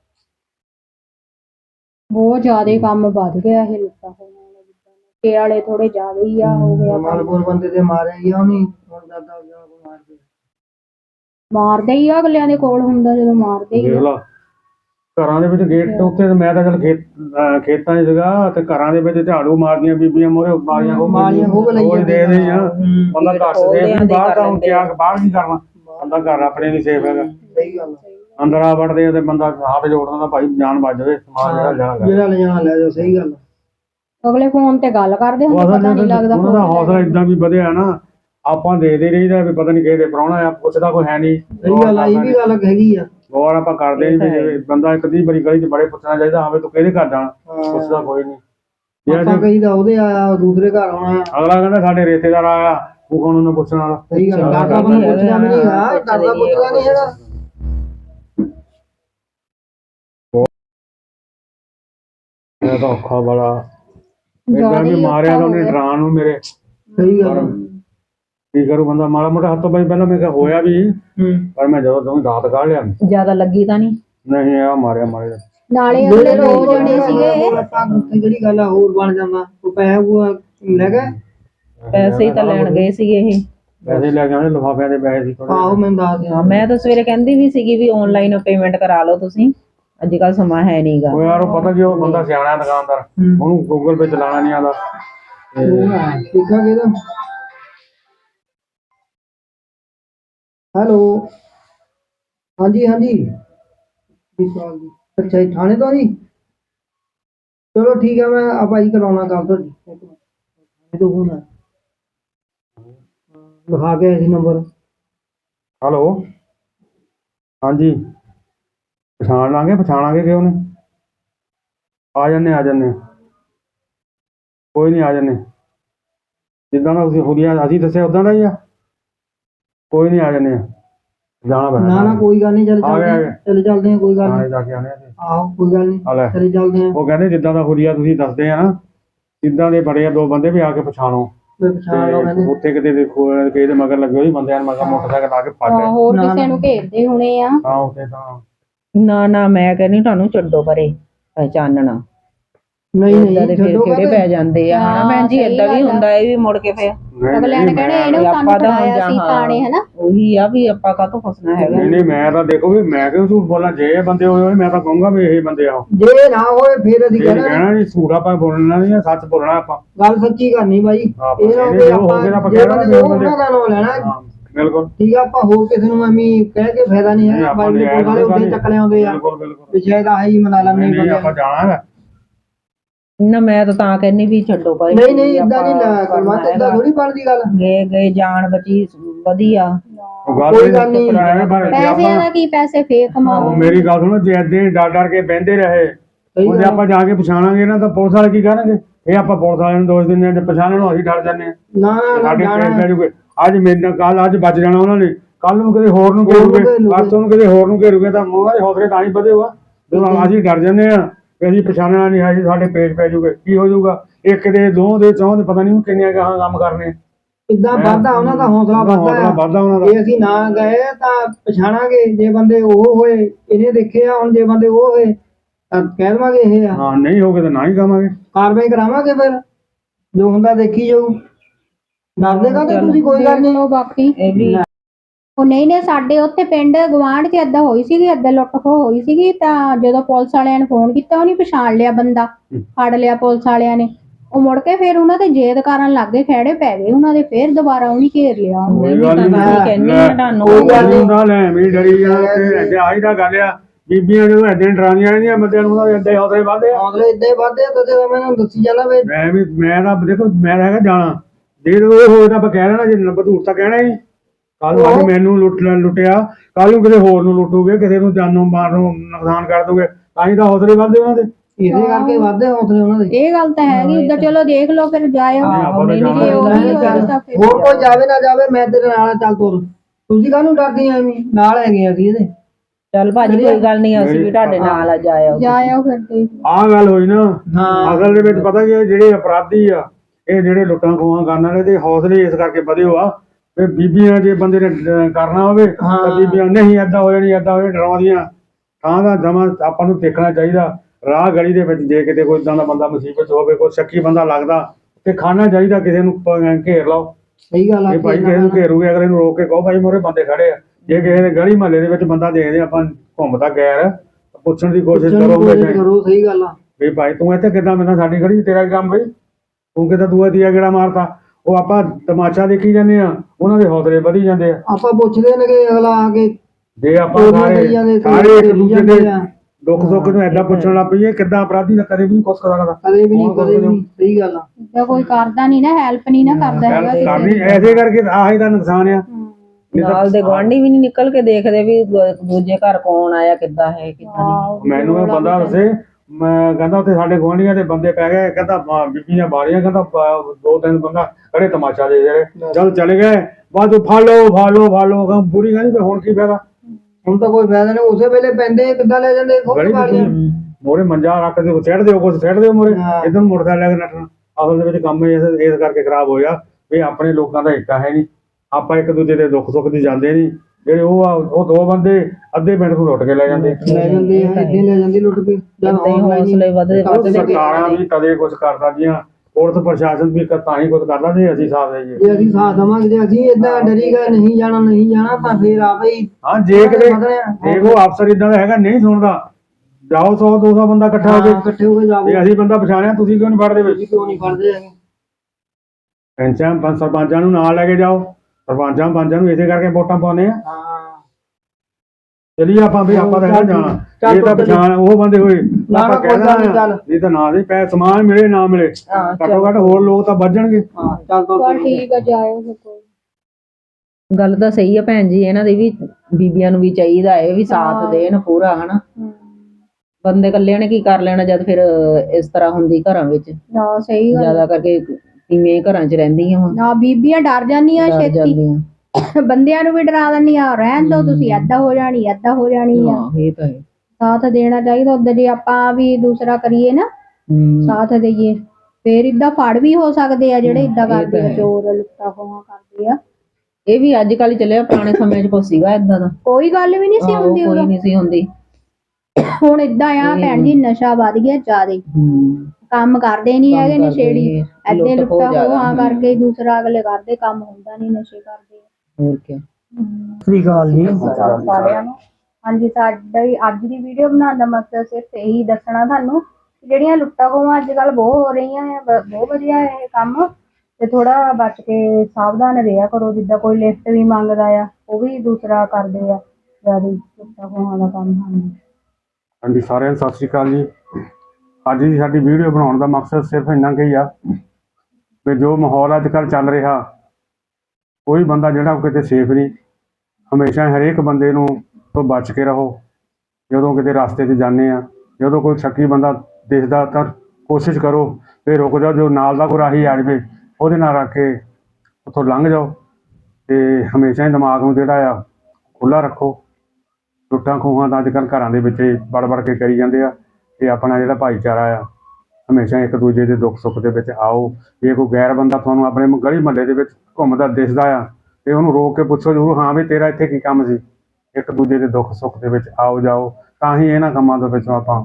[SPEAKER 4] ਬਹੁਤ ਜ਼ਿਆਦਾ ਕੰਮ ਵੱਧ ਗਿਆ ਇਹ ਲੁੱਟਾਂ ਖੋਹਾਂ ਕੇ ਵਾਲੇ ਥੋੜੇ ਜ਼ਿਆਦਾ ਹੀ ਆ ਹੋ ਗਿਆ।
[SPEAKER 3] ਮਾਲਪੁਰ ਬੰਦੇ ਤੇ ਮਾਰਿਆ ਗਿਆ ਉਹਨੇ, ਹੁਣ ਦਾਦਾ ਗਿਆ ਕੋਈ ਮਾਰ ਕੇ
[SPEAKER 4] ਮਾਰਦੇ ਹੀ ਆ, ਅਗਲਿਆਂ ਦੇ ਕੋਲ ਹੁੰਦਾ ਜਦੋਂ ਮਾਰਦੇ ਹੀ
[SPEAKER 1] ਦੇਖ
[SPEAKER 4] ਆ।
[SPEAKER 1] ਲਾ ਘਰਾਂ ਦੇ ਵਿੱਚ ਗੇਟ ਤੇ ਉੱਤੇ, ਮੈਂ ਤਾਂ ਚੱਲ ਖੇਤ ਅਹ ਖੇਤਾਂ 'ਚ ਸੀਗਾ, ਤੇ ਘਰਾਂ ਦੇ ਵਿੱਚ ਝਾੜੂ ਮਾਰਦੀਆਂ ਬੀਬੀਆਂ ਮੋਰੇ ਮਾਰੀਆਂ ਹੋ
[SPEAKER 3] ਮਾਰੀਆਂ ਖੁੱਭ ਲਈ
[SPEAKER 1] ਦੇ ਰਹੀ ਆ। ਬੰਦਾ ਘਰ
[SPEAKER 2] ਖੋਲਦੇ
[SPEAKER 1] ਸੇਫ
[SPEAKER 2] ਆ
[SPEAKER 1] ਨਹੀਂ,
[SPEAKER 2] ਤੇ
[SPEAKER 1] ਬਾਹਰ
[SPEAKER 2] ਕਰ
[SPEAKER 1] ਤਾਂ ਹੁਣ
[SPEAKER 2] ਲੈਂਦੇ
[SPEAKER 1] ਕਿਆ ਬਾਹਰ ਕੀ ਕਰਨਾ, ਬੰਦਾ ਘਰ ਆਪਣੇ ਨਹੀਂ ਸੇਫ ਹੈਗਾ।
[SPEAKER 3] ਸਹੀ ਗੱਲ ਆ।
[SPEAKER 1] ਅੰਦਰ ਆ ਵੜਦੇ ਆ ਤੇ ਬੰਦਾ ਹੱਥ ਜੋੜਦਾ ਤਾਂ ਭਾਈ ਜਾਨ ਬਚ ਜਾਵੇ, ਸਮਾਨ ਜਿਹੜਾ ਜਾਣਾ
[SPEAKER 3] ਜਿਹੜਾ ਲੈ ਜਾਣਾ ਲੈ ਜਾਓ, ਸਹੀ ਗੱਲ ਆ।
[SPEAKER 4] ਅਗਲੇ ਫੋਨ ਤੇ ਗੱਲ ਕਰਦੇ ਹੁੰਦੇ, ਪਤਾ ਨਹੀਂ ਲੱਗਦਾ
[SPEAKER 1] ਉਹਨਾਂ ਦਾ ਹੌਸਲਾ ਇਦਾਂ ਵੀ ਵਧਿਆ ਨਾ, ਆਪਾਂ ਦੇਖਦੇ ਰਹੀਦਾ ਵੀ ਪਤਾ ਨਹੀਂ ਕਿਸੇ ਦੇ ਪ੍ਰਾਹੁਣਾ ਆ, ਪੁੱਛਦਾ ਕੋਈ ਹੈ ਨਹੀਂ।
[SPEAKER 3] ਸਹੀ ਗੱਲ ਆ, ਇਹ ਵੀ ਗੱਲ ਹੈਗੀ ਆ।
[SPEAKER 1] ਹੋਰ ਆਪਾਂ ਕਰਦੇ ਨਹੀਂ, ਵੀ ਜਿਵੇਂ ਬੰਦਾ ਇੱਕ ਦੀ ਬੜੀ ਗਲੀ 'ਚ ਬੜੇ ਪੁੱਛਣਾ ਚਾਹੀਦਾ, ਹਾਂ ਵੀ ਤੂੰ ਕਿਹਦੇ ਘਰ ਜਾਣਾ, ਪੁੱਛਦਾ ਕੋਈ ਨਹੀਂ।
[SPEAKER 3] ਆਪਾਂ ਕਹੀਦਾ ਉਹਦੇ ਆਇਆ, ਉਹ ਦੂਸਰੇ ਘਰ ਆਉਣਾ।
[SPEAKER 1] ਅਗਲਾ ਕਹਿੰਦਾ ਸਾਡੇ ਰਿਸ਼ਤੇਦਾਰ ਆਇਆ, ਉਹ ਕੌਣ ਉਹਨੂੰ ਪੁੱਛਣ ਵਾਲਾ।
[SPEAKER 3] ਸਹੀ ਗੱਲ, ਡਰਦਾ ਬੰਦਾ ਪੁੱਛਦਾ ਵੀ ਨਹੀਂ ਹੈਗਾ, ਡਰਦਾ ਪੁੱਛਦਾ ਨਹੀਂ ਹੈਗਾ।
[SPEAKER 1] ਇਹ ਤਾਂ ਔਖਾ ਬੜਾ ਇਦਾਂ ਵੀ ਮਾਰਿਆ ਤਾਂ ਉਹਨੇ ਡਰਾਂ ਨੂੰ ਮੇਰੇ।
[SPEAKER 3] ਸਹੀ ਗੱਲ ਆ।
[SPEAKER 1] ਕੀ ਕਰੂ ਬੰਦਾ, ਮਾੜਾ ਮੋਟਾ ਹੱਥੋਂ ਪਾਈ ਪਹਿਲਾਂ ਮੇਰੇ ਕੋਲ ਹੋਇਆ ਵੀ,
[SPEAKER 3] ਹੂੰ
[SPEAKER 1] ਪਰ ਮੈਂ ਜਦੋਂ ਤੋਂ ਦਾਤ ਕਾਢ ਲਿਆ।
[SPEAKER 2] ਜ਼ਿਆਦਾ ਲੱਗੀ ਤਾਂ ਨਹੀਂ?
[SPEAKER 1] ਨਹੀਂ ਆ ਮਾਰਿਆ ਮਾਰਿਆ
[SPEAKER 4] ਨਾਲੇ ਅਗਲੇ ਦੋ ਜਣੇ ਸੀਗੇ।
[SPEAKER 3] ਆਪਾਂ ਜਿਹੜੀ ਗੱਲ ਆ ਹੋਰ ਬਣ ਜਾਂਦਾ, ਉਹ ਪੈਸਾ ਉਹ ਲੈ ਗਏ।
[SPEAKER 2] ਪੈਸੇ ਹੀ ਤਾਂ ਲੈਣ ਗਏ ਸੀਗੇ ਇਹ।
[SPEAKER 1] ਪੈਸੇ ਲੈ ਕੇ ਆਉਣੇ, ਲਿਫਾਫਿਆਂ ਦੇ ਪੈਸੇ ਸੀ ਥੋੜੇ।
[SPEAKER 3] ਆਹੋ ਮੈਨੂੰ ਦੱਸ ਦਿਓ।
[SPEAKER 2] ਹਾਂ, ਮੈਂ ਤਾਂ ਸਵੇਰੇ ਕਹਿੰਦੀ ਵੀ ਸੀਗੀ ਵੀ ਆਨਲਾਈਨ ਪੇਮੈਂਟ ਕਰਾ ਲਓ ਤੁਸੀਂ, ਅੱਜ ਕੱਲ ਸਮਾਂ ਹੈ ਨਹੀਂਗਾ।
[SPEAKER 1] ਉਹ ਯਾਰ ਉਹ ਪਤਾ ਕੀ, ਉਹ ਬੰਦਾ ਸਿਆਣਾ ਦੁਕਾਨਦਾਰ, ਉਹਨੂੰ ਗੂਗਲ ਪੇ ਚਲਾਉਣਾ ਨਹੀਂ ਆਉਂਦਾ।
[SPEAKER 3] ਠੀਕ ਆ ਕਿਹਦਾ? ਹੈਲੋ, ਹਾਂਜੀ ਹਾਂਜੀ, ਵਿਸ਼ਾਲ ਜੀ। ਅੱਛਾ ਜੀ, ਥਾਣੇ ਤੋਂ ਜੀ? ਚਲੋ ਠੀਕ ਹੈ, ਮੈਂ ਆ ਭਾਈ ਕਰਾਉਣਾ ਗੱਲ ਤੁਹਾਡੀ। ਥਾਣੇ ਤੋਂ ਫੋਨ ਆ, ਲਿਖਾ ਕੇ ਆਏ ਸੀ ਨੰਬਰ।
[SPEAKER 1] ਹੈਲੋ, ਹਾਂਜੀ, ਪਛਾਣ ਲਾਂਗੇ ਪਛਾਣਾਂਗੇ ਕਿ ਉਹਨੇ। ਆ ਜੰਨੇ ਆ ਜੰਨੇ ਕੋਈ ਨਹੀਂ, ਆ ਜੰਨੇ ਜਿੱਦਾਂ ਦਾ ਤੁਸੀਂ ਹੁਲੀਆ ਅਸੀਂ ਦੱਸਿਆ ਉਦਾਂ ਦਾ ਹੀ ਆ। ਕੋਈ ਨਹੀਂ, ਆ ਜੰਨੇ ਆ, ਜਾਣਾ ਪੈਣਾ।
[SPEAKER 3] ਨਾ ਨਾ ਕੋਈ ਗੱਲ ਨਹੀਂ, ਚੱਲ
[SPEAKER 1] ਆ ਗਏ, ਆ
[SPEAKER 3] ਚੱਲਦੇ
[SPEAKER 1] ਗਏ।
[SPEAKER 3] ਆ, ਚੱਲ ਚੱਲਦੇ ਆ, ਕੋਈ ਗੱਲ
[SPEAKER 1] ਥਾਣੇ
[SPEAKER 3] ਨਹੀਂ।
[SPEAKER 1] ਜਾ ਕੇ ਆਉਣੇ ਅਸੀਂ।
[SPEAKER 3] ਆਹੋ ਕੋਈ ਗੱਲ ਨਹੀਂ,
[SPEAKER 1] ਆ ਲੈ,
[SPEAKER 3] ਚੱਲ ਚੱਲਦੇ ਆ।
[SPEAKER 1] ਉਹ ਕਹਿੰਦੇ ਜਿੱਦਾਂ ਦਾ ਹੁਲੀਆ ਤੁਸੀਂ ਦੱਸਦੇ ਆ ਨਾ, ਜਿੱਦਾਂ ਦੇ ਬੜੇ ਆ ਦੋ ਬੰਦੇ ਵੀ ਆ ਕੇ ਪਛਾਣੋ।
[SPEAKER 3] ਫਿਰ ਪਛਾਣ ਲਓ
[SPEAKER 1] ਤੇ
[SPEAKER 3] ਕਹਿੰਦੇ।
[SPEAKER 1] ਉੱਥੇ ਕਿਤੇ ਦੇਖੋ ਕਿਸੇ ਦੇ ਮਗਰ ਲੱਗੇ ਹੋਈ ਬੰਦਿਆਂ ਨੇ ਮਗਰ ਮੋਟਰਸਾਈਕਲ ਲਾ ਕੇ ਫੜ
[SPEAKER 4] ਹਾਂ,
[SPEAKER 1] ਲਿਆ।
[SPEAKER 4] ਹੋਰ ਕਿਸੇ ਨੂੰ ਘੇਰਦੇ ਹੋਣੇ ਆ।
[SPEAKER 1] ਹਾਂ ਉੱਥੇ ਤਾਂ
[SPEAKER 2] ਨਾ ਨਾ, ਮੈਂ ਕਹਿੰਦੀ ਤੁਹਾਨੂੰ ਛੱਡੋ ਪਰੇ ਪਹਿਚਾਨਣਾ।
[SPEAKER 3] ਨਹੀਂ
[SPEAKER 2] ਏਦਾਂ ਦੇ
[SPEAKER 3] ਨਹੀਂ,
[SPEAKER 2] ਫਿਰ
[SPEAKER 3] ਛੱਡੋ
[SPEAKER 2] ਕਿਹੜੇ
[SPEAKER 3] ਕਹਿੰਦੇ।
[SPEAKER 2] ਪੈ ਜਾਂਦੇ ਆ ਹਨਾ
[SPEAKER 4] ਹਾਂ,
[SPEAKER 2] ਭੈਣ ਜੀ,
[SPEAKER 4] ਸਹੀ
[SPEAKER 2] ਏਦਾਂ ਵੀ
[SPEAKER 4] ਗੱਲ ਆ।
[SPEAKER 2] ਹੁੰਦਾ ਇਹ ਵੀ ਮੁੜ ਕੇ ਫਿਰ
[SPEAKER 1] ਨਹੀਂ,
[SPEAKER 4] ਅਗਲਿਆਂ ਨੇ
[SPEAKER 1] ਨਹੀਂ,
[SPEAKER 4] ਕਹਿਣਾ
[SPEAKER 1] ਮੈਂ-
[SPEAKER 4] ਇਹਨੂੰ ਸਾਨੂੰ
[SPEAKER 2] ਆਪਾਂ ਤਾਂ ਹੁਣ
[SPEAKER 4] ਫੜਾਇਆ ਸੀ
[SPEAKER 2] ਜਾਂ-
[SPEAKER 4] ਥਾਣੇ, ਹਨਾ।
[SPEAKER 2] ਉਹੀ ਆ ਵੀ ਆਪਾਂ ਕਾਹਤੋਂ ਫਸਣਾ ਹੈਗਾ।
[SPEAKER 1] ਨਹੀਂ ਨਹੀਂ, ਮੈਂ ਤਾਂ ਦੇਖੋ ਵੀ ਮੈਂ ਕਿਉਂ ਝੂਠ ਬੋਲਾਂ। ਜੇ ਇਹ ਬੰਦੇ ਹੋਏ ਹੋਏ ਮੈਂ ਤਾਂ ਕਹੂੰਗਾ ਵੀ ਇਹ ਬੰਦੇ ਆ।
[SPEAKER 3] ਜੇ ਨਾ ਹੋਏ ਫਿਰ ਅਸੀਂ
[SPEAKER 1] ਇਹ ਨੀ
[SPEAKER 3] ਕਹਿਣਾ
[SPEAKER 1] ਕਹਿਣਾ ਨਹੀਂ, ਝੂਠ ਆਪਾਂ ਬੋਲਣਾ ਨਹੀਂ, ਸੱਚ ਬੋਲਣਾ ਆਪਾਂ।
[SPEAKER 3] ਗੱਲ ਸੱਚੀ ਕਰਨੀ ਬਾਈ।
[SPEAKER 1] ਹਾਂ,
[SPEAKER 3] ਇਹ ਨਾ
[SPEAKER 1] ਇਹਨੇ
[SPEAKER 3] ਹੋਵੇ
[SPEAKER 1] ਜੋ ਹੋ ਗਿਆ ਤਾਂ
[SPEAKER 3] ਆਪਾਂ
[SPEAKER 1] ਆਪਾਂ
[SPEAKER 3] ਜੇ
[SPEAKER 1] ਕਹਿਣਾ
[SPEAKER 3] ਬੰਦੇ
[SPEAKER 1] ਵੀ
[SPEAKER 3] ਉਹ
[SPEAKER 1] ਬੰਦੇ-
[SPEAKER 3] ਉਹਨਾਂ ਦਾ ਨਾਮ ਲੈਣਾ।
[SPEAKER 1] ਹਾਂ ਬਿਲਕੁਲ।
[SPEAKER 3] ਠੀਕ ਆ, ਆਪਾਂ ਹੋਰ ਕਿਸੇ ਨੂੰ ਐਵੇਂ ਕਹਿ ਕੇ ਫਾਇਦਾ ਨਹੀਂ
[SPEAKER 1] ਨਹੀਂ,
[SPEAKER 3] ਹੈ।
[SPEAKER 1] ਆਪਾਂ
[SPEAKER 3] ਬਾਈ ਦੇ ਕੋਲ ਵਾਲੇ ਉੱਤੇ ਚੱਕ ਲਿਆਉਂਦੇ ਆ,
[SPEAKER 1] ਬਿਲਕੁਲ ਬਿਲਕੁਲ।
[SPEAKER 3] ਪਿਛੇ ਦਾ ਆਹੀ ਮਨਾ ਲੈਂਦੇ
[SPEAKER 1] ਨਹੀਂ ਨਹੀਂ,
[SPEAKER 3] ਬੰਦੇ।
[SPEAKER 1] ਆਪਾਂ ਜਾਣਾ ਹੈਗਾ।
[SPEAKER 2] ਨਾ ਮੈਂ ਤਾਂ ਤਾਂ ਕਹਿੰਦੀ ਵੀ ਛੱਡੋ ਪਰੇ।
[SPEAKER 3] ਨਹੀਂ ਨਹੀਂ, ਇਦਾਂ
[SPEAKER 2] ਆਪਾਂ
[SPEAKER 3] ਨਹੀਂ ਲੈ ਕਰਵਾ,
[SPEAKER 2] ਕਰਨਾ
[SPEAKER 3] ਇਦਾਂ
[SPEAKER 2] ਹੈਗਾ।
[SPEAKER 3] ਥੋੜੀ ਬਣਦੀ ਗੱਲ।
[SPEAKER 2] ਗਏ ਗਏ ਜਾਨ ਬਚੀ ਵਧੀਆ।
[SPEAKER 1] ਉਹ ਗੱਲ
[SPEAKER 3] ਕੋਈ
[SPEAKER 1] ਇਹ
[SPEAKER 3] ਗੱਲ ਨਹੀਂ।
[SPEAKER 1] ਐਵੇਂ ਪਰ ਜੇ
[SPEAKER 4] ਪੈਸਿਆਂ
[SPEAKER 1] ਆਪਾਂ-
[SPEAKER 4] ਦਾ ਕੀ, ਪੈਸੇ ਫੇਰ
[SPEAKER 1] ਉਹ
[SPEAKER 4] ਕਮਾਓ।
[SPEAKER 1] ਮੇਰੀ ਗੱਲ ਸੁਣੋ, ਜੇ ਏਦਾਂ ਹੀ ਡਰ ਡਰ ਕੇ ਬਹਿੰਦੇ ਰਹੇ,
[SPEAKER 3] ਸਹੀ
[SPEAKER 1] ਉਹਦੇ
[SPEAKER 3] ਗੱਲ।
[SPEAKER 1] ਆਪਾਂ ਜਾ ਕੇ ਪਛਾਣਾਂਗੇ ਨਾ ਤਾਂ ਪੁਲਿਸ ਵਾਲੇ ਕੀ ਕਰਨਗੇ? ਇਹ ਆਪਾਂ ਪੁਲਿਸ ਵਾਲਿਆਂ ਨੂੰ ਦੋਸ਼ ਦਿੰਦੇ ਆ, ਜੇ ਪਛਾਣਨ ਨੂੰ ਅਸੀਂ ਡਰ ਜਾਂਦੇ ਆ।
[SPEAKER 3] ਨਾ ਨਾ ਨਾ,
[SPEAKER 1] ਸਾਡੇ
[SPEAKER 3] ਜਾਣਾ
[SPEAKER 1] ਪੇਟ
[SPEAKER 3] ਹੈ।
[SPEAKER 1] ਪੈ ਜੂਗੇ। ਅੱਜ ਮੇਰੇ ਨਾਲ ਕੱਲ ਅੱਜ ਬਚ ਜਾਣਾ ਉਹਨਾਂ ਨੇ, ਕੱਲ ਨੂੰ ਕਿਤੇ ਹੋਰ ਨੂੰ
[SPEAKER 3] ਹੋਰ ਨੂੰ
[SPEAKER 1] ਘੇਰੂਗੇ,
[SPEAKER 3] ਘੇਰੂਗੇ।
[SPEAKER 1] ਪਰਸੋਂ ਨੂੰ ਕਿਤੇ ਹੋਰ ਨੂੰ ਘੇਰੂਗੇ, ਤਾਂ ਉਹਨਾਂ ਦੇ ਹੌਸਲੇ ਤਾਂ ਹੀ ਵਧੇ ਹੋਆ। ਜਦੋਂ ਅਸੀਂ ਡਰ ਜਾਂਦੇ ਆ ਕਿ ਅਸੀਂ ਪਛਾਣਨਾ ਨਹੀਂ ਹੈ ਜੀ, ਸਾਡੇ ਪੇਟ ਪੈ ਜੂਗੇ, ਕੀ ਹੋ ਜਾਊਗਾ? ਇੱਕ ਦੇ ਦੋ ਦੇ ਚੌਂ ਦੇ ਪਤਾ ਨਹੀਂ ਕਿੰਨੀਆਂ ਗਾਹਾਂ ਕੰਮ ਕਰਨੇ।
[SPEAKER 3] ਇਦਾਂ ਵੱਧਦਾ ਉਹਨਾਂ ਦਾ ਹੌਸਲਾ
[SPEAKER 1] ਉਹਨਾਂ ਦਾ
[SPEAKER 3] ਵੱਧਦਾ
[SPEAKER 1] ਹੌਸਲਾ
[SPEAKER 3] ਆ।
[SPEAKER 1] ਵੱਧਦਾ ਉਹਨਾਂ ਦਾ।
[SPEAKER 3] ਜੇ ਅਸੀਂ ਨਾ ਗਏ ਤਾਂ ਪਛਾਣਾਂਗੇ। ਜੇ ਬੰਦੇ ਉਹ ਹੋਏ, ਇਹਨੇ ਦੇਖੇ ਆ, ਹੁਣ ਜੇ ਬੰਦੇ ਉਹ ਹੋਏ ਤਾਂ ਕਹਿ ਦੇਵਾਂਗੇ ਇਹ ਆ।
[SPEAKER 1] ਹਾਂ, ਨਹੀਂ ਹੋਗੇ ਤਾਂ ਨਾ ਹੀ ਕਵਾਂਗੇ।
[SPEAKER 3] ਕਾਰਵਾਈ ਕਰਾਵਾਂਗੇ, ਫਿਰ ਜੋ ਹੁੰਦਾ ਦੇਖੀ ਜਾਊ। ਡਰਦੇ ਕਾਹਤੇ ਤੁਸੀਂ? ਕੋਈ ਗੱਲ ਨਹੀਂ।
[SPEAKER 4] ਉਹ ਬਾਕੀ
[SPEAKER 2] ਇਹ ਵੀ
[SPEAKER 4] ਉਹ ਨਹੀਂ ਨੇ, ਸਾਡੇ ਉੱਥੇ ਪਿੰਡ ਗਵਾਂਢ 'ਚ ਏਦਾਂ ਹੋਈ ਸੀਗੀ, ਏਦਾਂ ਲੁੱਟ ਖੋਹ ਹੋਈ ਸੀਗੀ। ਤਾਂ ਜਦੋਂ ਪੁਲਿਸ ਵਾਲਿਆਂ ਨੇ ਫੋਨ ਕੀਤਾ, ਉਹਨੇ ਪਛਾਣ ਲਿਆ ਬੰਦਾ, ਫੜ ਲਿਆ ਪੁਲਿਸ ਵਾਲਿਆਂ ਨੇ। ਉਹ ਮੁੜ ਕੇ ਫਿਰ ਉਹਨਾਂ ਤੇ ਜੇਦ ਕਰਨ ਲੱਗ ਗਏ, ਖਹਿੜੇ ਪੈ ਗਏ ਉਹਨਾਂ ਦੇ। ਫਿਰ ਦੁਬਾਰਾ ਉਹਨੇ ਘੇਰ ਲਿਆ।
[SPEAKER 1] ਕੋਈ ਗੱਲ
[SPEAKER 2] ਤਾਂ
[SPEAKER 1] ਨਹੀਂ,
[SPEAKER 2] ਅਸੀਂ ਕਹਿੰਦੇ ਆ ਤੁਹਾਨੂੰ।
[SPEAKER 3] ਕੋਈ ਗੱਲ ਨੀ।
[SPEAKER 1] ਨਾ ਲੈ ਵੀ ਡਰੀ ਜਾਣਾ ਤੇ ਅੱਗੇ ਆਹੀ ਤਾਂ ਗੱਲ ਆ। ਬੀਬੀਆਂ ਜਦੋਂ ਏਦਾਂ ਹੀ ਡਰਾਉਂਦੀਆਂ ਰਹਿੰਦੀਆਂ ਬੰਦਿਆਂ ਨੂੰ, ਉਹਨਾਂ ਦੇ ਏਦਾਂ ਹੀ ਹੌਸਲੇ ਵੱਧਦੇ ਆ।
[SPEAKER 3] ਹੌਸਲੇ ਏਦਾਂ ਹੀ ਵੱਧਦੇ ਆ, ਤਾਂ ਜਦੋਂ ਮੈਂ ਤੁਹਾਨੂੰ ਦੱਸੀ ਜਾਂਦਾ ਵੀ
[SPEAKER 1] ਮੈਂ ਵੀ ਮੈਂ ਤਾਂ ਦੇਖੋ, ਮੈਂ ਤਾਂ ਹੈਗਾ ਜਾਣਾ। ਜੇ ਉਹ ਹੋਏ ਤਾਂ ਆਪਾਂ ਕਹਿ ਲੈਣਾ, ਜੇ ਬਧੂਰ ਤਾਂ ਕਹਿਣਾ ਹੀ। ਕੱਲ ਨੂੰ ਅੱਜ ਮੈਨੂੰ ਲੁੱਟ ਲੁੱਟਿਆ, ਕੱਲ ਨੂੰ ਕਿਸੇ ਹੋਰ ਨੂੰ ਲੁੱਟੋਗੇ, ਕਿਸੇ ਨੂੰ ਜਾਨੋਂ ਮਾਰਨੋਂ ਨੁਕਸਾਨ ਕਰ ਦੋਗੇ, ਤਾਂ ਹੀ ਤਾਂ ਹੌਸਲੇ ਵੱਧਦੇ ਉਹਨਾਂ ਦੇ।
[SPEAKER 3] ਇਸੇ ਕਰਕੇ ਵੱਧਦੇ ਹੌਸਲੇ ਉਹਨਾਂ ਦੇ।
[SPEAKER 4] ਇਹ ਗੱਲ ਤਾਂ ਹੈਗੀ। ਉਧਰ ਚਲੋ ਦੇਖ ਲਓ, ਫਿਰ ਜਾਇਓ।
[SPEAKER 1] ਆਪਾਂ ਤਾਂ
[SPEAKER 4] ਜੇ
[SPEAKER 1] ਜਾਣਾ।
[SPEAKER 4] ਉਹੀ ਹੋਇਆ ਤਾਂ ਫਿਰ
[SPEAKER 3] ਹੋਰ ਕੋਈ ਜਾਵੇ ਨਾ ਜਾਵੇ, ਮੈਂ ਤੇਰੇ ਨਾਲ ਆ, ਚੱਲ ਤੁਰ। ਤੁਸੀਂ ਕਾਹਨੂੰ ਡਰਦੀ ਐ? ਐਵੇਂ ਨਾਲ ਹੈਗੇ ਅਸੀਂ ਇਹਦੇ।
[SPEAKER 2] ਚੱਲ ਭਾਜੀ ਕੋਈ ਗੱਲ ਨਹੀਂ, ਅਸੀਂ ਵੀ ਤੁਹਾਡੇ ਨਾਲ ਆ ਜਾਇਓ।
[SPEAKER 4] ਜਾਇਓ ਫਿਰ ਦੇਖ ਲਓ।
[SPEAKER 1] ਆਹ ਗੱਲ ਹੋਈ ਨਾ,
[SPEAKER 3] ਹਾਂ।
[SPEAKER 1] ਅਸਲ ਦੇ ਵਿੱਚ ਪਤਾ ਕੀ ਹੈ, ਜਿਹੜੇ ਅਪਰਾਧੀ ਆ, ਇਹ ਜਿਹੜੇ ਲੁੱਟਾਂ ਖੋਹਾਂ ਕਰਨ ਵਾਲੇ, ਤੇ ਹੌਸਲੇ ਇਸ ਕਰਕੇ ਵਧੇ ਹੋ ਆ ਵੀ ਬੀਬੀਆਂ ਜੇ ਬੰਦੇ ਨੇ ਅਹ ਕਰਨਾ ਹੋਵੇ ਤਾਂ
[SPEAKER 3] ਹਾਂ।
[SPEAKER 1] ਬੀਬੀਆਂ ਨਹੀਂ ਏਦਾਂ ਹੋ ਜਾਣੀ, ਏਦਾਂ ਹੋ ਜਾਣੀ, ਡਰਾਉਂਦੀਆਂ। ਥਾਂ ਦਾ ਜਮਾਂ ਆਪਾਂ ਨੂੰ ਦੇਖਣਾ ਚਾਹੀਦਾ। ਰਾਹ ਗਲੀ ਦੇ ਵਿੱਚ ਜੇ ਕਿਤੇ ਕੋਈ ਇਦਾਂ ਦਾ ਬੰਦਾ ਮੁਸੀਬਤ 'ਚ ਹੋਵੇ, ਕੋਈ ਸ਼ੱਕੀ ਬੰਦਾ ਲੱਗਦਾ, ਤੇ ਖਾਣਾ ਚਾਹੀਦਾ ਕਿਸੇ ਨੂੰ ਪ- ਘੇਰ ਲਓ।
[SPEAKER 3] ਸਹੀ ਗੱਲ ਆ।
[SPEAKER 1] ਇਹ ਭਾਈ ਕਿਸੇ ਨੂੰ ਘੇਰੂਗੇ, ਅਗਲੇ ਨੂੰ ਰੋਕ ਕੇ ਕਹੋ ਭਾਈ ਮੋਰੇ ਬੰਦੇ ਖੜੇ ਆ। ਜੇ ਕਿਸੇ ਦੇ ਗਲੀ ਮਹੱਲੇ ਦੇ ਵਿੱਚ ਬੰਦਾ ਦੇਖਦੇ ਆਪਾਂ ਘੁੰਮਦਾ ਗੈਰ, ਪੁੱਛਣ ਦੀ ਕੋਸ਼ਿਸ਼ ਕਰੋ ਹਮੇਸ਼ਾ
[SPEAKER 3] ਕਰੋ। ਸਹੀ ਗੱਲ ਆ।
[SPEAKER 1] ਵੀ ਭਾਈ ਤੂੰ ਇੱਥੇ ਕਿੱਦਾਂ ਮੈਨਾਂ ਸਾਡੀ ਗਲੀ 'ਚ ਤੇਰਾ ਕੀ ਕੰਮ ਬਈ, ਤੂੰ ਕਿੱਦਾਂ ਦੂਆ ਤੀਆ ਗੇੜਾ ਮਾਰਤਾ। ਉਹ ਆਪਾਂ ਤਮਾਸ਼ਾ ਦੇਖੀ ਜਾਂਦੇ ਆ, ਉਹਨਾਂ ਦੇ ਹੌਸਲੇ ਵਧੀ ਜਾਂਦੇ ਆ।
[SPEAKER 3] ਆਪਾਂ ਪੁੱਛਦੇ ਨੇ ਕਿ ਅਗਲਾ ਆ ਕੇ
[SPEAKER 1] ਜੇ ਆਪਾਂ
[SPEAKER 3] ਤੋਰੀਆਂ
[SPEAKER 1] ਸਾਰੇ
[SPEAKER 3] ਦੇਈ ਜਾਂਦੇ,
[SPEAKER 1] ਸਾਰੇ ਇੱਕ
[SPEAKER 3] ਦੇਈ
[SPEAKER 1] ਦੂਜੇ
[SPEAKER 3] ਜਾਂਦੇ
[SPEAKER 1] ਦੇ
[SPEAKER 3] ਆ।
[SPEAKER 1] ਦੁੱਖ ਸੁੱਖ ਨੂੰ ਐਦਾਂ ਪੁੱਛਣ ਲੱਗ ਪਈਏ, ਕਿੱਦਾਂ ਅਪਰਾਧੀ ਦਾ ਕਦੇ ਵੀ ਨਹੀਂ ਕੁਛ ਕਰਦਾ।
[SPEAKER 3] ਕਦੇ ਵੀ ਨਹੀਂ, ਕਦੇ ਵੀ ਨਹੀਂ। ਸਹੀ ਗੱਲ ਆ।
[SPEAKER 4] ਏਦਾਂ ਕੋਈ ਕਰਦਾ ਨਹੀਂ ਨਾ, ਹੈਲਪ ਨਹੀਂ ਨਾ ਕਰਦਾ ਹੈਗਾ ਕਿਸੇ
[SPEAKER 1] ਕਰਨੀ
[SPEAKER 4] ਦੀ।
[SPEAKER 1] ਐਸੇ ਕਰਕੇ ਆਹੀ ਦਾ ਨੁਕਸਾਨ ਆ।
[SPEAKER 2] ਨਾਲ ਦੇ ਗੁਆਂਢੀ ਵੀ ਨਹੀਂ ਨਿਕਲ ਕੇ ਦੇਖਦੇ ਵੀ ਦੂ- ਦੂਜੇ ਘਰ ਕੌਣ ਆਇਆ, ਕਿੱਦਾਂ ਹੈ ਕਿੱਦਾਂ ਨਹੀਂ।
[SPEAKER 1] ਮੈਨੂੰ ਇਹ ਬੰਦਾ ਦੱਸੇ, ਮੈਂ ਕਹਿੰਦਾ ਉੱਥੇ ਸਾਡੇ ਗੁਆਂਢੀਆਂ ਦੇ ਬੰਦੇ ਪੈ ਗਏ, ਕਹਿੰਦਾ ਬਾ- ਬੀਬੀਆਂ ਬਾਰੀਆਂ, ਕਹਿੰਦਾ ਬ- ਦੋ ਤਿੰਨ ਬੰਦਾ ਖੜੇ ਤਮਾਸ਼ਾ ਦੇ ਰਹੇ, ਚਲ ਚਲੇ ਗਏ, ਬਾਅਦ ਚੋਂ ਫੜ ਲਓ ਫੜ ਲਓ ਫੜ ਲਓ। ਕਹਿੰਦਾ ਬੁਰੀ ਕਹਿੰਦੀ ਵੀ ਹੁਣ ਕੀ ਫਾਇਦਾ।
[SPEAKER 3] ਹੁਣ ਤਾਂ ਕੋਈ ਫਾਇਦਾ ਨਹੀਂ। ਉਸੇ ਵੇਲੇ ਪੈਂਦੇ ਕਿੱਦਾਂ ਲੈ ਜਾਂਦੇ ਖੁਦ
[SPEAKER 1] ਗਲੀ
[SPEAKER 3] ਵਾਲੀਆਂ।
[SPEAKER 1] ਮੋਰੇ ਮੰਜਾ ਰੱਖ ਦਿਓ, ਸਿੱਟ ਦਿਓ ਕੁਛ, ਸਿੱਟ ਦਿਓ ਮੋਰੇ,
[SPEAKER 3] ਹਾਂ।
[SPEAKER 1] ਇਧਰ ਮੋਟਰਸਾਈਕਲ ਲੈ ਕੇ ਨੱਠਣਾ। ਅਸਲ ਦੇ ਵਿੱਚ ਕੰਮ ਇਸ ਇਸ ਕਰਕੇ ਖਰਾਬ ਹੋਇਆ ਵੀ ਆਪਣੇ ਲੋਕਾਂ ਦਾ ਏਕਾ ਹੈ ਨਹੀਂ। ਆਪਾਂ ਇੱਕ ਦੂਜੇ ਦੇ ਦੁੱਖ ਸੁੱਖ ਦੀ ਜਾਂਦੇ ਨਹੀਂ। ਜਿਹੜੇ ਉਹ ਆ ਉਹ ਦੋ ਬੰਦੇ ਅੱਧੇ ਪਿੰਡ ਨੂੰ ਲੁੱਟ ਕੇ ਲੈ ਜਾਂਦੇ।
[SPEAKER 3] ਲੈ ਜਾਂਦੇ ਆ ਇੱਦਾਂ ਲੈ ਜਾਂਦੇ ਲੁੱਟ ਕੇ ਜਦ
[SPEAKER 2] ਏਦਾਂ ਹੀ
[SPEAKER 3] online
[SPEAKER 2] ਹੌਸਲੇ ਵਧਦੇ
[SPEAKER 1] ਉਹ
[SPEAKER 2] ਵੱਧਦੇ ਗਏ
[SPEAKER 1] ਸਰਕਾਰਾਂ ਵੀ ਕਦੇ ਕੁਝ ਕਰਦਾ ਜੀਆਂ, ਪੁਲਿਸ ਪ੍ਰਸ਼ਾਸਨ ਵੀ ਕ- ਤਾਂ ਹੀ ਕੁਝ ਕਰਦਾ ਜੇ ਅਸੀਂ ਸਾਥ ਦੇਈਏ।
[SPEAKER 3] ਜੇ ਅਸੀਂ ਸਾਥ ਦੇਵਾਂਗੇ ਜੇ ਅਸੀਂ ਏਦਾਂ ਡਰੀ ਗਏ ਨਹੀਂ ਜਾਣਾ ਨਹੀਂ ਜਾਣਾ ਤਾਂ ਫੇਰ ਆਪੇ ਹੀ
[SPEAKER 1] ਹਾਂ ਜੇ ਕਿਤੇ
[SPEAKER 3] ਵਧਣਾ।
[SPEAKER 1] ਜੇ ਉਹ ਅਫਸਰ ਇਦਾਂ ਦਾ ਹੈਗਾ ਨਹੀਂ ਸੁਣਦਾ, ਜਾਓ ਸੌ ਦੋ ਸੌ ਬੰਦਾ ਇਕੱਠਾ ਹੋ
[SPEAKER 3] ਹਾਂ,
[SPEAKER 1] ਕੇ
[SPEAKER 3] ਇਕੱਠੇ ਹੋ ਕੇ ਜਾਵੋ
[SPEAKER 1] ਵੀ ਅਸੀਂ ਬੰਦਾ ਪਛਾਣਿਆ, ਤੁਸੀਂ ਕਿਉਂ ਨਹੀਂ ਫੜਦੇ ਵਿੱਚ?
[SPEAKER 3] ਕਿਉਂ ਨਹੀਂ ਫੜਦੇ ਹੈਗੇ।
[SPEAKER 1] ਪੈਂਚਾਂ ਪੰਜ ਸਰਪੰਚਾਂ ਨੂੰ ਨਾਲ ਲੈ ਕੇ ਜਾਓ, ਸਰਪੰਚਾਂ ਪੰਚਾਂ ਨੂੰ ਇਸੇ ਕਰਕੇ ਵੋਟਾਂ ਪਾਉਂਦੇ ਆ।
[SPEAKER 3] ਹਾਂ
[SPEAKER 1] ਚਲੀਏ ਆਪਾਂ ਵੀ ਆਪਾਂ ਤਾਂ ਹੈਗਾ ਜਾਣਾ,
[SPEAKER 3] ਚੱਲ
[SPEAKER 1] ਇਹ ਤਾਂ
[SPEAKER 3] ਚੱਲ
[SPEAKER 1] ਪਛਾਣ ਉਹ ਬੰਦੇ ਹੋਏ
[SPEAKER 3] ਨਾ,
[SPEAKER 1] ਆਪਾਂ
[SPEAKER 3] ਕੋਈ
[SPEAKER 1] ਕਹਿਣਾ
[SPEAKER 3] ਗੱਲ ਨੀ, ਚੱਲ।
[SPEAKER 1] ਨਹੀਂ ਤਾਂ ਨਾ ਦੇ ਪੈ ਸਮਾਨ ਮਿਲੇ ਨਾ ਮਿਲੇ,
[SPEAKER 2] ਹਾਂ,
[SPEAKER 1] ਘੱਟੋ ਘੱਟ ਹੋਰ ਲੋਕ ਤਾਂ ਵੱਜਣਗੇ।
[SPEAKER 3] ਹਾਂ ਚੱਲ ਤੁਰ
[SPEAKER 4] ਚਲ
[SPEAKER 3] ਪਈਏ।
[SPEAKER 4] ਠੀਕ ਆ, ਜਾਇਓ ਫਿਰ ਕੋਈ
[SPEAKER 2] ਗੱਲ ਤਾਂ ਸਹੀ ਆ ਭੈਣ ਜੀ, ਇਹਨਾਂ ਦੀ ਵੀ ਬੀਬੀਆਂ ਨੂੰ ਵੀ ਚਾਹੀਦਾ ਹੈ ਵੀ ਸਾਥ ਦੇਣ ਪੂਰਾ, ਹਨਾ।
[SPEAKER 4] ਹਮ,
[SPEAKER 2] ਬੰਦੇ ਇਕੱਲਿਆਂ ਨੇ ਕੀ ਕਰ ਲੈਣਾ ਜਦ ਫਿਰ ਇਸ ਤਰ੍ਹਾਂ ਹੁੰਦੀ ਘਰਾਂ ਵਿੱਚ।
[SPEAKER 4] ਨਾ ਸਹੀ ਗੱਲ
[SPEAKER 2] ਜ਼ਿਆਦਾ ਕਰਕੇ ਕਿਵੇਂ ਘਰਾਂ 'ਚ ਰਹਿੰਦੀਆਂ ਵਾ,
[SPEAKER 4] ਨਾ ਬੀਬੀਆਂ ਡਰ ਜਾਂਦੀਆਂ
[SPEAKER 2] ਡਰ
[SPEAKER 4] ਛੇਤੀ,
[SPEAKER 2] ਜਾਂਦੀਆਂ।
[SPEAKER 4] ਬੰਦਿਆਂ ਨੂੰ ਵੀ ਡਰਾ ਦਿੰਦੀਆਂ, ਰਹਿਣ ਦੋ ਤੁਸੀਂ, ਏਦਾਂ ਹੋ ਜਾਣੀ ਏਦਾਂ ਹੋ ਜਾਣੀ ਆ।
[SPEAKER 2] ਹਾਂ ਇਹ ਤਾਂ ਹੈ।
[SPEAKER 4] ਸਾਥ ਦੇਣਾ ਚਾਹੀਦਾ। ਉਧਰ ਜੇ ਆਪਾਂ ਵੀ ਦੂਸਰਾ ਕਰੀਏ ਨਾ,
[SPEAKER 2] ਹੂੰ
[SPEAKER 4] ਸਾਥ ਦੇਈਏ, ਫੇਰ ਇਦਾਂ ਫੜ ਵੀ ਹੋ ਸਕਦੇ ਆ ਜਿਹੜੇ ਇਦਾਂ
[SPEAKER 2] ਇਹ ਤਾਂ
[SPEAKER 4] ਕਰਦੇ ਆ,
[SPEAKER 2] ਹੈ।
[SPEAKER 4] ਚੋਰ ਲੁੱਟਾ ਖੋਹਾਂ ਕਰਦੇ ਆ।
[SPEAKER 2] ਇਹ ਵੀ ਅੱਜ ਕੱਲ੍ਹ ਚੱਲਿਆ, ਪੁਰਾਣੇ ਸਮੇਂ 'ਚ ਕੁਛ ਸੀਗਾ ਏਦਾਂ ਦਾ।
[SPEAKER 4] ਕੋਈ ਗੱਲ ਵੀ ਨਹੀਂ ਸੀ
[SPEAKER 2] ਆਹੋ,
[SPEAKER 4] ਹੁੰਦੀ
[SPEAKER 2] ਕੋਈ
[SPEAKER 4] ਉਦੋਂ।
[SPEAKER 2] ਨਹੀਂ ਸੀ ਹੁੰਦੀ।
[SPEAKER 4] ਹੁਣ ਇਦਾਂ ਆ ਭੈਣ ਜੀ, ਨਸ਼ਾ ਵੱਧ ਗਿਆ ਜ਼ਿਆਦਾ।
[SPEAKER 2] ਹੂੰ
[SPEAKER 4] ਕੰਮ ਕਰਦੇ ਨਹੀਂ
[SPEAKER 2] ਕੰਮ
[SPEAKER 4] ਹੈਗੇ
[SPEAKER 2] ਕਰਦੇ
[SPEAKER 4] ਨਸ਼ੇੜੀ,
[SPEAKER 2] ਨੀ,
[SPEAKER 4] ਐਦੇ
[SPEAKER 2] ਲੁੱਟ ਖੋਹ
[SPEAKER 4] ਲੁੱਟਾ
[SPEAKER 2] ਜ਼ਿਆਦਾ।
[SPEAKER 4] ਖੋਹਾਂ ਕਰਕੇ ਹੀ ਦੂਸਰਾ ਅਗਲੇ ਕਰਦੇ, ਕੰਮ ਹੁੰਦਾ ਨਹੀਂ, ਨਸ਼ੇ ਕਰਦੇ ਆ।
[SPEAKER 2] ਹੋਰ ਕੀ।
[SPEAKER 3] ਸ੍ਰੀ ਅਕਾਲ ਜੀ।
[SPEAKER 4] ਸਾਰਿਆਂ ਨੂੰ ਹਾਂਜੀ, ਸਾਡੀ ਅੱਜ ਦੀ ਵੀਡੀਓ ਬਣਾਉਣ ਦਾ ਮਕਸਦ ਸਿਰਫ ਇਹੀ ਦੱਸਣਾ ਤੁਹਾਨੂੰ ਕਿ ਜਿਹੜੀਆਂ ਲੁੱਟਾਂ ਖੋਹਾਂ ਅੱਜ ਕੱਲ੍ਹ ਬਹੁਤ ਹੋ ਰਹੀਆਂ ਆ, ਬ- ਬਹੁਤ ਵਧੀਆ ਹੈ ਇਹ ਕੰਮ, ਤੇ ਥੋੜਾ ਬਚ ਕੇ ਸਾਵਧਾਨ ਰਿਹਾ ਕਰੋ। ਜਿੱਦਾਂ ਕੋਈ ਲਿਫਟ ਵੀ ਮੰਗਦਾ ਆ, ਉਹ ਵੀ ਦੂਸਰਾ ਕਰਦੇ ਆ ਜ਼ਿਆਦਾ ਲੁੱਟਾਂ ਖੋਹਾਂ ਦਾ ਕੰਮ। ਹਾਂਜੀ
[SPEAKER 1] ਹਾਂਜੀ, ਸਾਰਿਆਂ ਨੂੰ ਸਤਿ ਸ਼੍ਰੀ ਅਕਾਲ ਜੀ। ਅੱਜ ਦੀ ਸਾਡੀ ਵੀਡੀਓ ਬਣਾਉਣ ਦਾ ਮਕਸਦ ਸਿਰਫ ਇੰਨਾ ਕੁ ਹੀ ਆ ਵੀ ਜੋ ਮਾਹੌਲ ਅੱਜ ਕੱਲ੍ਹ ਚੱਲ ਰਿਹਾ, ਕੋਈ ਬੰਦਾ ਜਿਹੜਾ ਕਿਤੇ ਸੇਫ ਨਹੀਂ। ਹਮੇਸ਼ਾ ਹਰੇਕ ਬੰਦੇ ਨੂੰ ਤੋਂ ਬਚ ਕੇ ਰਹੋ। ਜਦੋਂ ਕਿਤੇ ਰਸਤੇ 'ਚ ਜਾਂਦੇ ਆ, ਜਦੋਂ ਕੋਈ ਸ਼ੱਕੀ ਬੰਦਾ ਦਿਖਦਾ ਤਾਂ ਕੋਸ਼ਿਸ਼ ਕਰੋ ਵੀ ਰੁਕ ਜਾਓ, ਜੋ ਨਾਲ ਦਾ ਕੋਈ ਰਾਹੀ ਆ ਜਾਵੇ ਉਹਦੇ ਨਾਲ ਰੱਖ ਕੇ ਉੱਥੋਂ ਲੰਘ ਜਾਓ। ਅਤੇ ਹਮੇਸ਼ਾ ਹੀ ਦਿਮਾਗ ਨੂੰ ਜਿਹੜਾ ਆ ਖੁੱਲ੍ਹਾ ਰੱਖੋ। ਲੁੱਟਾਂ ਖੋਹਾਂ ਤਾਂ ਅੱਜ ਕੱਲ੍ਹ ਘਰਾਂ ਦੇ ਵਿੱਚ ਹੀ ਵੜ ਵੜ ਕੇ ਕਰੀ ਜਾਂਦੇ ਆ। ਅਤੇ ਆਪਣਾ ਜਿਹੜਾ ਭਾਈਚਾਰਾ ਆ, ਹਮੇਸ਼ਾ ਇੱਕ ਦੂਜੇ ਦੇ ਦੁੱਖ ਸੁੱਖ ਦੇ ਵਿੱਚ ਆਓ। ਜੇ ਕੋਈ ਗੈਰ ਬੰਦਾ ਤੁਹਾਨੂੰ ਆਪਣੇ ਗਲੀ ਮੁਹੱਲੇ ਦੇ ਵਿੱਚ ਘੁੰਮਦਾ ਦਿਸਦਾ ਆ, ਅਤੇ ਉਹਨੂੰ ਰੋਕ ਕੇ ਪੁੱਛੋ ਜ਼ਰੂਰ, ਹਾਂ ਵੀ ਤੇਰਾ ਇੱਥੇ ਕੀ ਕੰਮ ਸੀ। ਇੱਕ ਦੂਜੇ ਦੇ ਦੁੱਖ ਸੁੱਖ ਦੇ ਵਿੱਚ ਆਓ ਜਾਓ, ਤਾਂ ਹੀ ਇਹਨਾਂ ਕੰਮਾਂ ਦੇ ਵਿੱਚੋਂ ਆਪਾਂ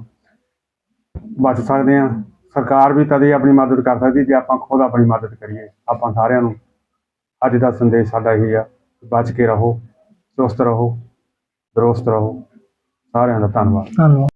[SPEAKER 1] ਬਚ ਸਕਦੇ ਹਾਂ। ਸਰਕਾਰ ਵੀ ਤਦੇ ਆਪਣੀ ਮਦਦ ਕਰ ਸਕਦੀ ਜੇ ਆਪਾਂ ਖੁਦ ਆਪਣੀ ਮਦਦ ਕਰੀਏ। ਆਪਾਂ ਸਾਰਿਆਂ ਨੂੰ ਅੱਜ ਦਾ ਸੰਦੇਸ਼ ਸਾਡਾ ਇਹੀ ਆ, ਬਚ ਕੇ ਰਹੋ, ਚੁਸਤ ਰਹੋ, ਦਰੁਸਤ ਰਹੋ। ਸਾਰਿਆਂ ਦਾ ਧੰਨਵਾਦ।
[SPEAKER 3] ਧੰਨਵਾਦ।